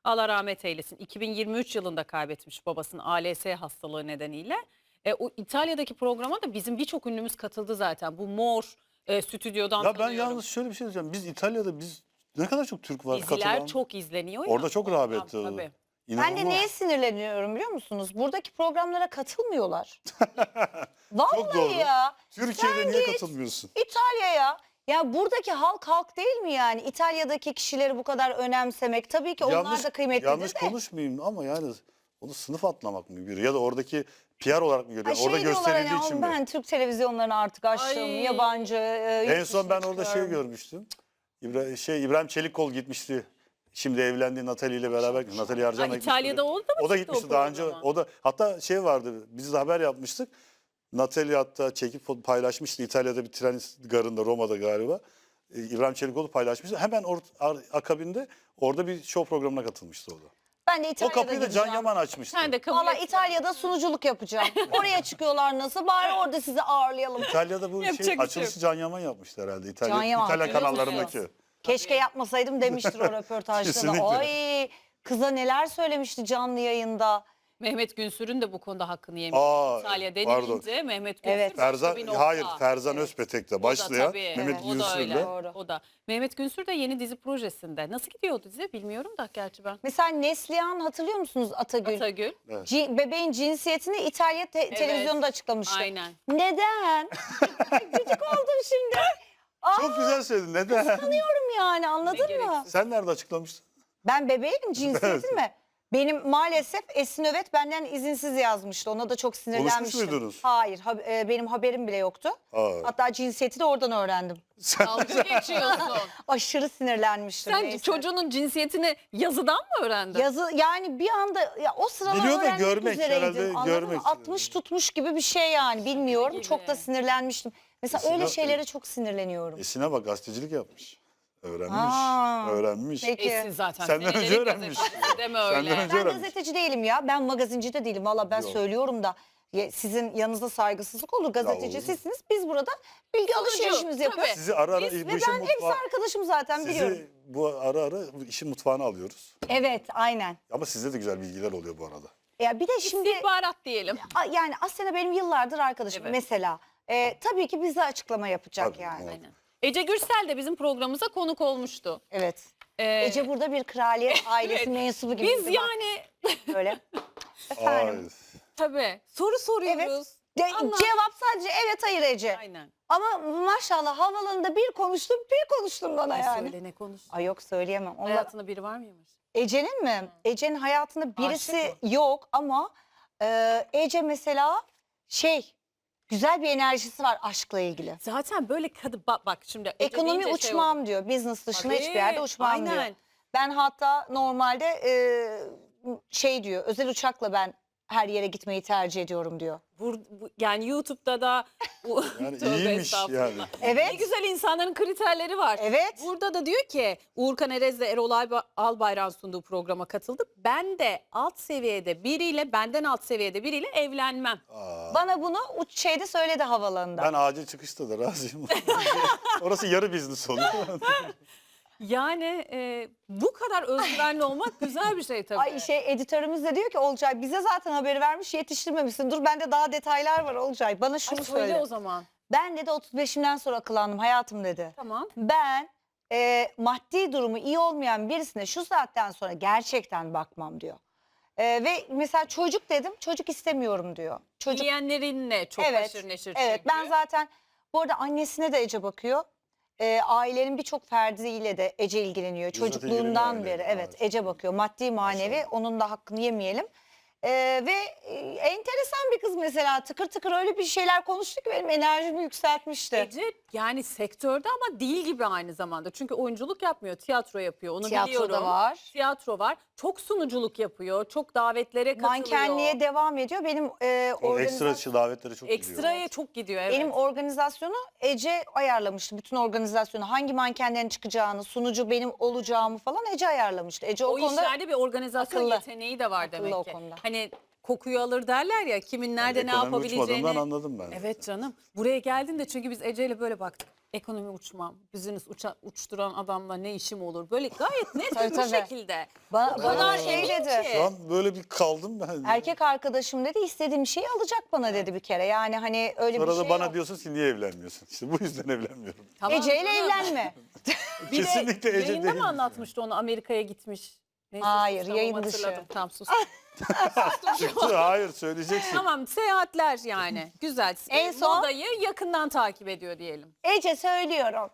[SPEAKER 1] Allah rahmet eylesin. iki bin yirmi üç yılında kaybetmiş babasını A L S hastalığı nedeniyle. E, o İtalya'daki programa da bizim birçok ünlümüz katıldı zaten. Bu Mor e, stüdyodan
[SPEAKER 3] Ya ben
[SPEAKER 1] tanıyorum.
[SPEAKER 3] yalnız şöyle bir şey diyeceğim. Biz İtalya'da biz ne kadar çok Türk var
[SPEAKER 1] Diziler
[SPEAKER 3] katılan.
[SPEAKER 1] çok izleniyor ya.
[SPEAKER 3] Orada çok rağbet.
[SPEAKER 1] Tabii, tabii.
[SPEAKER 2] Ben
[SPEAKER 3] İnanılmaz.
[SPEAKER 2] de neye sinirleniyorum biliyor musunuz? Buradaki programlara katılmıyorlar. Vallahi
[SPEAKER 3] doğru.
[SPEAKER 2] ya.
[SPEAKER 3] Türkiye'de
[SPEAKER 2] Sen
[SPEAKER 3] niye
[SPEAKER 2] git
[SPEAKER 3] katılmıyorsun?
[SPEAKER 2] İtalya'ya. Ya buradaki halk halk değil mi yani? İtalya'daki kişileri bu kadar önemsemek. Tabii ki onlar da kıymetlidir
[SPEAKER 3] yanlış
[SPEAKER 2] de.
[SPEAKER 3] konuşmayayım ama yani onu sınıf atlamak mı görüyor? Ya da oradaki P R olarak mı görüyor?
[SPEAKER 2] Ay şey
[SPEAKER 3] Orada
[SPEAKER 2] diyorlar
[SPEAKER 3] gösterildiği
[SPEAKER 2] hani,
[SPEAKER 3] için mi?
[SPEAKER 2] ben Türk televizyonlarını artık açtım.
[SPEAKER 1] Ay.
[SPEAKER 2] Yabancı. e,
[SPEAKER 3] En
[SPEAKER 2] yurt
[SPEAKER 3] son ben
[SPEAKER 2] dışına
[SPEAKER 3] orada şey
[SPEAKER 2] çıkıyorum.
[SPEAKER 3] görmüştüm. İbra şey İbrahim Çelikkol gitmişti. Şimdi evlendiği Natali ile beraber. Natali
[SPEAKER 1] Ha,
[SPEAKER 3] Arcan'la
[SPEAKER 1] İtalya'da oldu mu?
[SPEAKER 3] O da
[SPEAKER 1] çıktı
[SPEAKER 3] gitmişti daha önce.
[SPEAKER 1] programa?
[SPEAKER 3] O da hatta şey vardı. Biz de haber yapmıştık. Natali hatta çekip paylaşmıştı. İtalya'da bir tren garında, Roma'da galiba. Ee, İbrahim Çelikkol'u paylaşmıştı. Hemen or, ar- akabinde orada bir show programına katılmıştı o da.
[SPEAKER 2] Ben de
[SPEAKER 3] O
[SPEAKER 2] İtalya'da
[SPEAKER 3] kapıyı da Can
[SPEAKER 2] gideceğim.
[SPEAKER 3] Yaman açmıştı.
[SPEAKER 1] Sen de kabul
[SPEAKER 2] Valla
[SPEAKER 1] et.
[SPEAKER 2] İtalya'da sunuculuk yapacağım. Oraya çıkıyorlar nasıl? Bari orada sizi ağırlayalım.
[SPEAKER 3] İtalya'da bu
[SPEAKER 1] Yapacak bir
[SPEAKER 3] şey
[SPEAKER 1] şey
[SPEAKER 3] açılışı Can Yaman yapmıştı herhalde. İtalya,
[SPEAKER 2] Can Yaman,
[SPEAKER 3] İtalya
[SPEAKER 2] hatırlıyor
[SPEAKER 3] kanallarındaki.
[SPEAKER 2] musunuz? Keşke yapmasaydım demiştir o röportajda da.
[SPEAKER 3] Kesinlikle.
[SPEAKER 2] Ay kıza neler söylemişti canlı yayında.
[SPEAKER 1] Mehmet Günsür'ün de bu konuda hakkını yemiş.
[SPEAKER 3] Aa,
[SPEAKER 1] İtalya
[SPEAKER 3] pardon.
[SPEAKER 1] denilince Mehmet Günsür
[SPEAKER 2] Evet.
[SPEAKER 1] başka
[SPEAKER 3] Ferzan,
[SPEAKER 1] bir nokta.
[SPEAKER 3] hayır Ferzan Özpetek'le
[SPEAKER 1] O da
[SPEAKER 3] başlayan
[SPEAKER 1] tabii,
[SPEAKER 3] Mehmet
[SPEAKER 1] evet, o da öyle.
[SPEAKER 3] Günsür'le.
[SPEAKER 2] Doğru.
[SPEAKER 1] O da. Mehmet Günsür de yeni dizi projesinde. Nasıl gidiyor o dizi bilmiyorum da gerçi ben.
[SPEAKER 2] Mesela Neslihan hatırlıyor musunuz Atagül?
[SPEAKER 1] Atagül.
[SPEAKER 2] Ci- bebeğin cinsiyetini İtalya te- televizyonda açıklamıştı.
[SPEAKER 1] Aynen.
[SPEAKER 2] Neden? Gıcık oldum şimdi. Aa,
[SPEAKER 3] Çok güzel söyledin. Neden?
[SPEAKER 2] Sanıyorum yani anladın
[SPEAKER 1] Ne
[SPEAKER 2] mı?
[SPEAKER 1] gereksiz.
[SPEAKER 3] Sen nerede açıklamıştın?
[SPEAKER 2] Ben bebeğim cinsiyetim mi? Benim maalesef Esin Övet benden izinsiz yazmıştı. Ona da çok sinirlenmiştim.
[SPEAKER 3] muydunuz?
[SPEAKER 2] Hayır, ha- e, benim haberim bile yoktu.
[SPEAKER 3] Aa.
[SPEAKER 2] Hatta cinsiyeti de oradan öğrendim.
[SPEAKER 3] Sen,
[SPEAKER 1] Dalga geçiyorsun.
[SPEAKER 2] Aşırı sinirlenmiştim.
[SPEAKER 1] Sen
[SPEAKER 2] neyse.
[SPEAKER 1] çocuğunun cinsiyetini yazıdan mı öğrendin?
[SPEAKER 2] Yazı yani bir anda ya o sıralar
[SPEAKER 3] Biliyor da
[SPEAKER 2] öğrenmek
[SPEAKER 3] görmek,
[SPEAKER 2] üzereydim.
[SPEAKER 3] herhalde
[SPEAKER 2] Anladın mı?
[SPEAKER 3] görmek.
[SPEAKER 2] altmış tutmuş gibi bir şey yani bilmiyorum.
[SPEAKER 1] gibi.
[SPEAKER 2] Çok da sinirlenmiştim. Mesela
[SPEAKER 3] Mesela-
[SPEAKER 2] öyle şeylere çok sinirleniyorum.
[SPEAKER 3] Esin'e bak gazetecilik yapmış. Öğrenmiş.
[SPEAKER 2] Aa,
[SPEAKER 3] öğrenmiş.
[SPEAKER 2] peki.
[SPEAKER 1] Esin zaten.
[SPEAKER 3] Senden önce
[SPEAKER 1] senelerin
[SPEAKER 3] öğrenmiş.
[SPEAKER 1] gazetecisi, Deme öyle.
[SPEAKER 3] Senden önce
[SPEAKER 2] Ben
[SPEAKER 3] öğrenmiş.
[SPEAKER 2] gazeteci değilim ya. Ben magazinci de değilim. Valla ben
[SPEAKER 3] Yok.
[SPEAKER 2] söylüyorum da ya sizin yanınızda saygısızlık olur. Gazeteci
[SPEAKER 3] olur.
[SPEAKER 2] sizsiniz. Biz burada bilgi alışverişimizi yapıyoruz.
[SPEAKER 3] Sizi ara ara
[SPEAKER 2] Biz
[SPEAKER 3] bu
[SPEAKER 2] ve
[SPEAKER 3] işin
[SPEAKER 2] ben hepsi
[SPEAKER 3] mutfağı...
[SPEAKER 2] arkadaşım zaten biliyorum.
[SPEAKER 3] Sizi bu ara ara bu işin mutfağına alıyoruz.
[SPEAKER 2] Evet aynen.
[SPEAKER 3] Ama sizde de güzel bilgiler oluyor bu arada.
[SPEAKER 2] Ya bir de şimdi
[SPEAKER 1] İstihbarat diyelim.
[SPEAKER 2] a- yani Asena benim yıllardır arkadaşım.
[SPEAKER 1] Evet.
[SPEAKER 2] Mesela e, tabii ki bize açıklama yapacak
[SPEAKER 3] Tabii,
[SPEAKER 2] yani.
[SPEAKER 3] evet.
[SPEAKER 1] Aynen. Ece Gürsel de bizim programımıza konuk olmuştu.
[SPEAKER 2] Evet.
[SPEAKER 1] Ee,
[SPEAKER 2] Ece burada bir kraliyet ailesi
[SPEAKER 1] evet.
[SPEAKER 2] mensubu gibi.
[SPEAKER 1] Biz
[SPEAKER 2] bak
[SPEAKER 1] yani
[SPEAKER 2] böyle. Efendim.
[SPEAKER 3] Ay.
[SPEAKER 1] tabii soru soruyoruz.
[SPEAKER 2] Evet. De-
[SPEAKER 1] Anlat.
[SPEAKER 2] cevap sadece evet hayır Ece.
[SPEAKER 1] Aynen.
[SPEAKER 2] Ama maşallah havalarında bir konuştum bir konuştum bana
[SPEAKER 1] Ay
[SPEAKER 2] yani.
[SPEAKER 1] söyle ne konuş.
[SPEAKER 2] Ay yok söyleyemem. Onlar...
[SPEAKER 1] Hayatında biri var mıymış?
[SPEAKER 2] Ece'nin mi? Ece'nin hayatında birisi
[SPEAKER 1] Aşık
[SPEAKER 2] yok ama e, Ece mesela şey güzel bir enerjisi var aşkla ilgili.
[SPEAKER 1] Zaten böyle kadın bak, bak şimdi Ece
[SPEAKER 2] Ekonomi
[SPEAKER 1] deyince şey
[SPEAKER 2] uçmam
[SPEAKER 1] oldu.
[SPEAKER 2] diyor. Business dışında
[SPEAKER 1] Tabii,
[SPEAKER 2] hiçbir yerde uçmam diyor.
[SPEAKER 1] aynen.
[SPEAKER 2] Ben hatta normalde e, şey diyor özel uçakla ben her yere gitmeyi tercih ediyorum diyor.
[SPEAKER 1] Bur- bu- yani YouTube'da da bu-
[SPEAKER 3] Yani
[SPEAKER 1] Tövbe
[SPEAKER 3] iyiymiş
[SPEAKER 1] estağfurullah.
[SPEAKER 3] yani.
[SPEAKER 2] Evet.
[SPEAKER 1] Ne güzel insanların kriterleri var.
[SPEAKER 2] Evet.
[SPEAKER 1] Burada da diyor ki Uğurkan Erez ve Erol Alba- Albayrak'ın sunduğu programa katıldı. Ben de alt seviyede biriyle benden alt seviyede biriyle evlenmem.
[SPEAKER 3] Aa,
[SPEAKER 2] Bana bunu uç şeyde söyledi havalarında.
[SPEAKER 3] ben acil çıkışta da razıyım. Orası yarı biznes oluyor.
[SPEAKER 1] Yani e, bu kadar özgüvenli olmak güzel bir şey tabii.
[SPEAKER 2] Ay şey editörümüz de diyor ki Olcay bize zaten haberi vermiş yetiştirmemişsin. Dur bende daha detaylar var Olcay. Bana
[SPEAKER 1] Ay,
[SPEAKER 2] şunu
[SPEAKER 1] söyle
[SPEAKER 2] söyle.
[SPEAKER 1] o zaman.
[SPEAKER 2] Ben dedi otuz beşimden sonra akıllandım hayatım dedi.
[SPEAKER 1] Tamam.
[SPEAKER 2] Ben e, maddi durumu iyi olmayan birisine şu saatten sonra gerçekten bakmam diyor. E, ve mesela çocuk dedim çocuk istemiyorum diyor. Çocuk
[SPEAKER 1] Yiyenlerinle çok
[SPEAKER 2] evet,
[SPEAKER 1] haşır neşir
[SPEAKER 2] evet
[SPEAKER 1] çünkü.
[SPEAKER 2] ben zaten bu arada annesine de Ece bakıyor. E, ailenin birçok ferdiyle de Ece ilgileniyor.
[SPEAKER 3] Bizzat
[SPEAKER 2] Çocukluğundan
[SPEAKER 3] ilgileniyor
[SPEAKER 2] beri
[SPEAKER 3] aileyle,
[SPEAKER 2] evet
[SPEAKER 3] evet.
[SPEAKER 2] Ece bakıyor maddi manevi
[SPEAKER 3] Maşallah.
[SPEAKER 2] onun da hakkını yemeyelim. E, ve e, enteresan bir kız mesela tıkır tıkır öyle bir şeyler konuştu ki benim enerjimi yükseltmişti.
[SPEAKER 1] Ece yani sektörde ama değil gibi aynı zamanda. Çünkü oyunculuk yapmıyor, tiyatro yapıyor. Onu
[SPEAKER 2] Tiyatro
[SPEAKER 1] biliyorum.
[SPEAKER 2] da var.
[SPEAKER 1] Tiyatro var. Çok sunuculuk yapıyor. Çok davetlere katılıyor.
[SPEAKER 2] Mankenliğe devam ediyor. Benim e,
[SPEAKER 3] O ekstra
[SPEAKER 2] organiza-
[SPEAKER 3] dışı davetlere çok gidiyor.
[SPEAKER 1] Ekstraya çok gidiyor evet.
[SPEAKER 2] benim organizasyonu Ece ayarlamıştı. Bütün organizasyonu hangi mankenlerin çıkacağını, sunucu benim olacağımı falan Ece ayarlamıştı. Ece o,
[SPEAKER 1] o
[SPEAKER 2] konuda
[SPEAKER 1] işlerde bir organizasyon
[SPEAKER 2] akıllı.
[SPEAKER 1] yeteneği de var
[SPEAKER 2] Akıllı
[SPEAKER 1] demek
[SPEAKER 2] o
[SPEAKER 1] ki.
[SPEAKER 2] konuda.
[SPEAKER 1] Hani kokuyu alır derler ya kimin nerede ne
[SPEAKER 3] Ekonomi
[SPEAKER 1] yapabileceğini.
[SPEAKER 3] uçmadığından anladım ben.
[SPEAKER 1] Evet canım. Buraya geldin de çünkü biz Ece ile böyle baktık. ekonomi uçmam, business uça, uçturan adamla ne işim olur? Böyle gayet net
[SPEAKER 2] Tabii,
[SPEAKER 1] bir
[SPEAKER 2] tabii.
[SPEAKER 1] şekilde.
[SPEAKER 2] Ba-
[SPEAKER 1] O
[SPEAKER 2] bana
[SPEAKER 1] kadar
[SPEAKER 2] şey
[SPEAKER 1] emin
[SPEAKER 2] dedi.
[SPEAKER 1] ki.
[SPEAKER 3] Şu an böyle bir kaldım ben.
[SPEAKER 2] Erkek arkadaşım dedi istediğim şeyi alacak bana dedi bir kere. Yani hani öyle
[SPEAKER 3] Sonra
[SPEAKER 2] bir şey
[SPEAKER 3] da bana
[SPEAKER 2] yok.
[SPEAKER 3] diyorsun ki niye evlenmiyorsun? İşte bu yüzden evlenmiyorum.
[SPEAKER 1] Tamam
[SPEAKER 2] Ece ile
[SPEAKER 1] canım.
[SPEAKER 2] evlenme.
[SPEAKER 1] Bir de
[SPEAKER 3] Kesinlikle Ece
[SPEAKER 1] yayında
[SPEAKER 3] değil.
[SPEAKER 1] mı anlatmıştı onu Amerika'ya gitmiş? Neyse,
[SPEAKER 2] Hayır,
[SPEAKER 1] tamam,
[SPEAKER 2] yayın dışı.
[SPEAKER 1] hatırladım. Tamam sus.
[SPEAKER 3] Çıktı, hayır söyleyeceksin.
[SPEAKER 1] Tamam, seyahatler yani. Güzel.
[SPEAKER 2] En
[SPEAKER 1] En
[SPEAKER 2] son-
[SPEAKER 1] Modayı yakından takip ediyor diyelim.
[SPEAKER 2] Ece söylüyorum.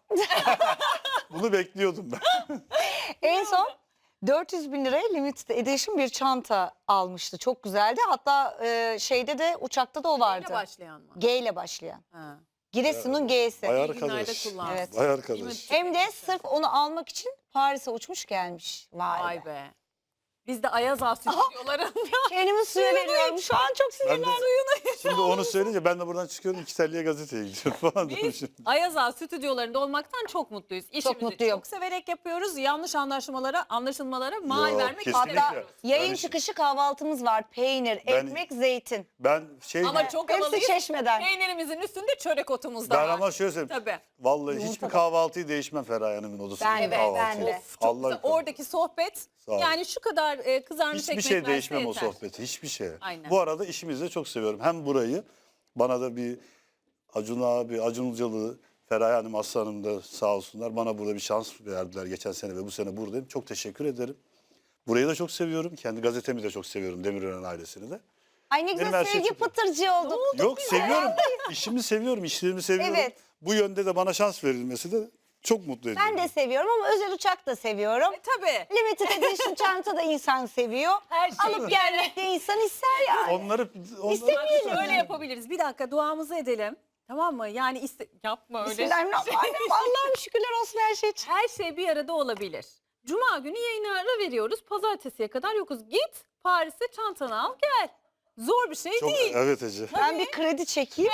[SPEAKER 3] Bunu bekliyordum ben.
[SPEAKER 2] En son dört yüz bin liraya limited edition bir çanta almıştı. Çok güzeldi. Hatta e, şeyde de uçakta da o vardı.
[SPEAKER 1] Neyle başlayan mı?
[SPEAKER 2] G ile başlayan.
[SPEAKER 1] Ha.
[SPEAKER 2] Giresun'un G'si.
[SPEAKER 3] Vay
[SPEAKER 1] İyi günlerde
[SPEAKER 3] arkadaş.
[SPEAKER 1] kullan.
[SPEAKER 2] Evet.
[SPEAKER 3] Vay
[SPEAKER 1] Değil
[SPEAKER 3] arkadaş.
[SPEAKER 1] mi?
[SPEAKER 2] Hem de sırf onu almak için Paris'e uçmuş gelmiş. Vay, be.
[SPEAKER 1] Vay be. Biz de Ayaz Ağa stüdyolarında.
[SPEAKER 2] Kendimi suya veriyorum. Şu an çok
[SPEAKER 3] Ben
[SPEAKER 2] sinirlendim.
[SPEAKER 3] de, şimdi onu söyleyince ben de buradan çıkıyorum iki telliye gazeteye gidiyorum falan dedim
[SPEAKER 1] Biz
[SPEAKER 3] şimdi.
[SPEAKER 1] Ayaz Ağa stüdyolarında olmaktan çok mutluyuz. İşimizi
[SPEAKER 2] mutluyum.
[SPEAKER 1] çok severek yapıyoruz. Yanlış anlaşmalara, anlaşılmalara mal
[SPEAKER 3] Yok,
[SPEAKER 1] vermek
[SPEAKER 3] kesinlikle.
[SPEAKER 1] istemiyoruz.
[SPEAKER 2] Yayın
[SPEAKER 3] Ben-
[SPEAKER 2] çıkışı kahvaltımız var. Peynir,
[SPEAKER 3] Ben-
[SPEAKER 2] ekmek, zeytin.
[SPEAKER 3] Ben şey
[SPEAKER 1] Ama çok
[SPEAKER 2] Hepsi
[SPEAKER 1] havalıyız.
[SPEAKER 2] Çeşme'den.
[SPEAKER 1] Peynirimizin üstünde çörek otumuz da
[SPEAKER 3] ben
[SPEAKER 1] var.
[SPEAKER 3] ama şöyle söyleyeyim.
[SPEAKER 1] Tabii.
[SPEAKER 3] Vallahi hiçbir kahvaltıyı değişmem Feraye Hanım'ın odasında.
[SPEAKER 2] Ben de, ben de.
[SPEAKER 1] Çok
[SPEAKER 3] Allah
[SPEAKER 1] güzel. Oradaki sohbet
[SPEAKER 3] Sağ ol.
[SPEAKER 1] yani şu kadar e, kızarmış
[SPEAKER 3] hiçbir
[SPEAKER 1] ekmek
[SPEAKER 3] şey
[SPEAKER 1] verse
[SPEAKER 3] değişmem o
[SPEAKER 1] yeter.
[SPEAKER 3] sohbeti. Hiçbir şey.
[SPEAKER 1] Aynen.
[SPEAKER 3] Bu arada işimizi de çok seviyorum. Hem burayı bana da bir Acun abi, Acun Ilıcalı, Feraye Hanım, Aslı Hanım da sağ olsunlar. Bana burada bir şans verdiler geçen sene ve bu sene buradayım. Çok teşekkür ederim. Burayı da çok seviyorum. Kendi gazetemi de çok seviyorum. Demirören ailesini de.
[SPEAKER 2] Ay ne
[SPEAKER 3] Benim
[SPEAKER 2] güzel
[SPEAKER 3] her şey
[SPEAKER 2] sevgi
[SPEAKER 3] çok-
[SPEAKER 2] pıtırcı olduk.
[SPEAKER 3] Yok seviyorum. İşimi seviyorum, işlerimi seviyorum.
[SPEAKER 2] Evet.
[SPEAKER 3] Bu yönde de bana şans verilmesi de çok mutlu ediyor.
[SPEAKER 2] Ben de seviyorum ama özel uçak da seviyorum.
[SPEAKER 1] E, tabii.
[SPEAKER 2] Limited edition çanta da insan seviyor.
[SPEAKER 1] Her şey
[SPEAKER 2] Alıp gelmek de insan ister yani.
[SPEAKER 3] Onları, onları
[SPEAKER 2] İstemeyelim.
[SPEAKER 1] Öyle yapabiliriz. Bir dakika duamızı edelim. Tamam mı? Yani iste yapma öyle.
[SPEAKER 2] Bismillahirrahmanirrahim. Allah'ım şükürler olsun her şey için.
[SPEAKER 1] Her şey bir arada olabilir. Cuma günü yayına ara veriyoruz. Pazartesiye kadar yokuz. Git Paris'e çantanı al gel. Zor bir şey
[SPEAKER 3] çok,
[SPEAKER 1] değil.
[SPEAKER 3] evet Ece.
[SPEAKER 2] Ben bir kredi çekeyim.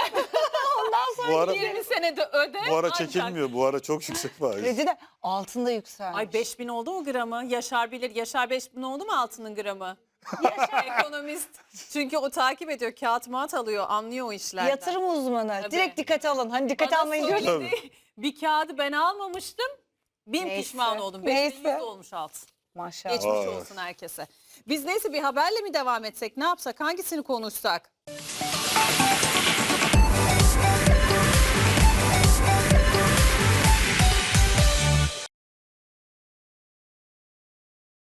[SPEAKER 2] Ondan sonra
[SPEAKER 3] Bu ara,
[SPEAKER 1] yirmi senede öde.
[SPEAKER 3] bu ara
[SPEAKER 1] ancak-
[SPEAKER 3] çekilmiyor. Bu ara çok yüksek faiz.
[SPEAKER 2] kredi de altında yükselmiş.
[SPEAKER 1] Ay beş bin oldu mu gramı? Yaşar bilir. Yaşar beş bin oldu mu altının gramı? Ekonomist. Çünkü o takip ediyor. Kağıt mağat alıyor. Anlıyor o işlerden.
[SPEAKER 2] Yatırım uzmanı.
[SPEAKER 1] Tabii.
[SPEAKER 2] Direkt dikkate alın. Hani dikkate
[SPEAKER 1] Bana
[SPEAKER 2] almayın
[SPEAKER 1] söyledi.
[SPEAKER 2] diyorum.
[SPEAKER 1] Bir kağıdı ben almamıştım. Bin
[SPEAKER 2] Neyse,
[SPEAKER 1] pişman oldum. beş bin yüz
[SPEAKER 2] neyse.
[SPEAKER 1] olmuş altın.
[SPEAKER 2] Maşallah.
[SPEAKER 1] Geçmiş
[SPEAKER 3] Vay.
[SPEAKER 1] olsun herkese. Biz neyse bir haberle mi devam etsek? Ne yapsak? Hangisini konuşsak?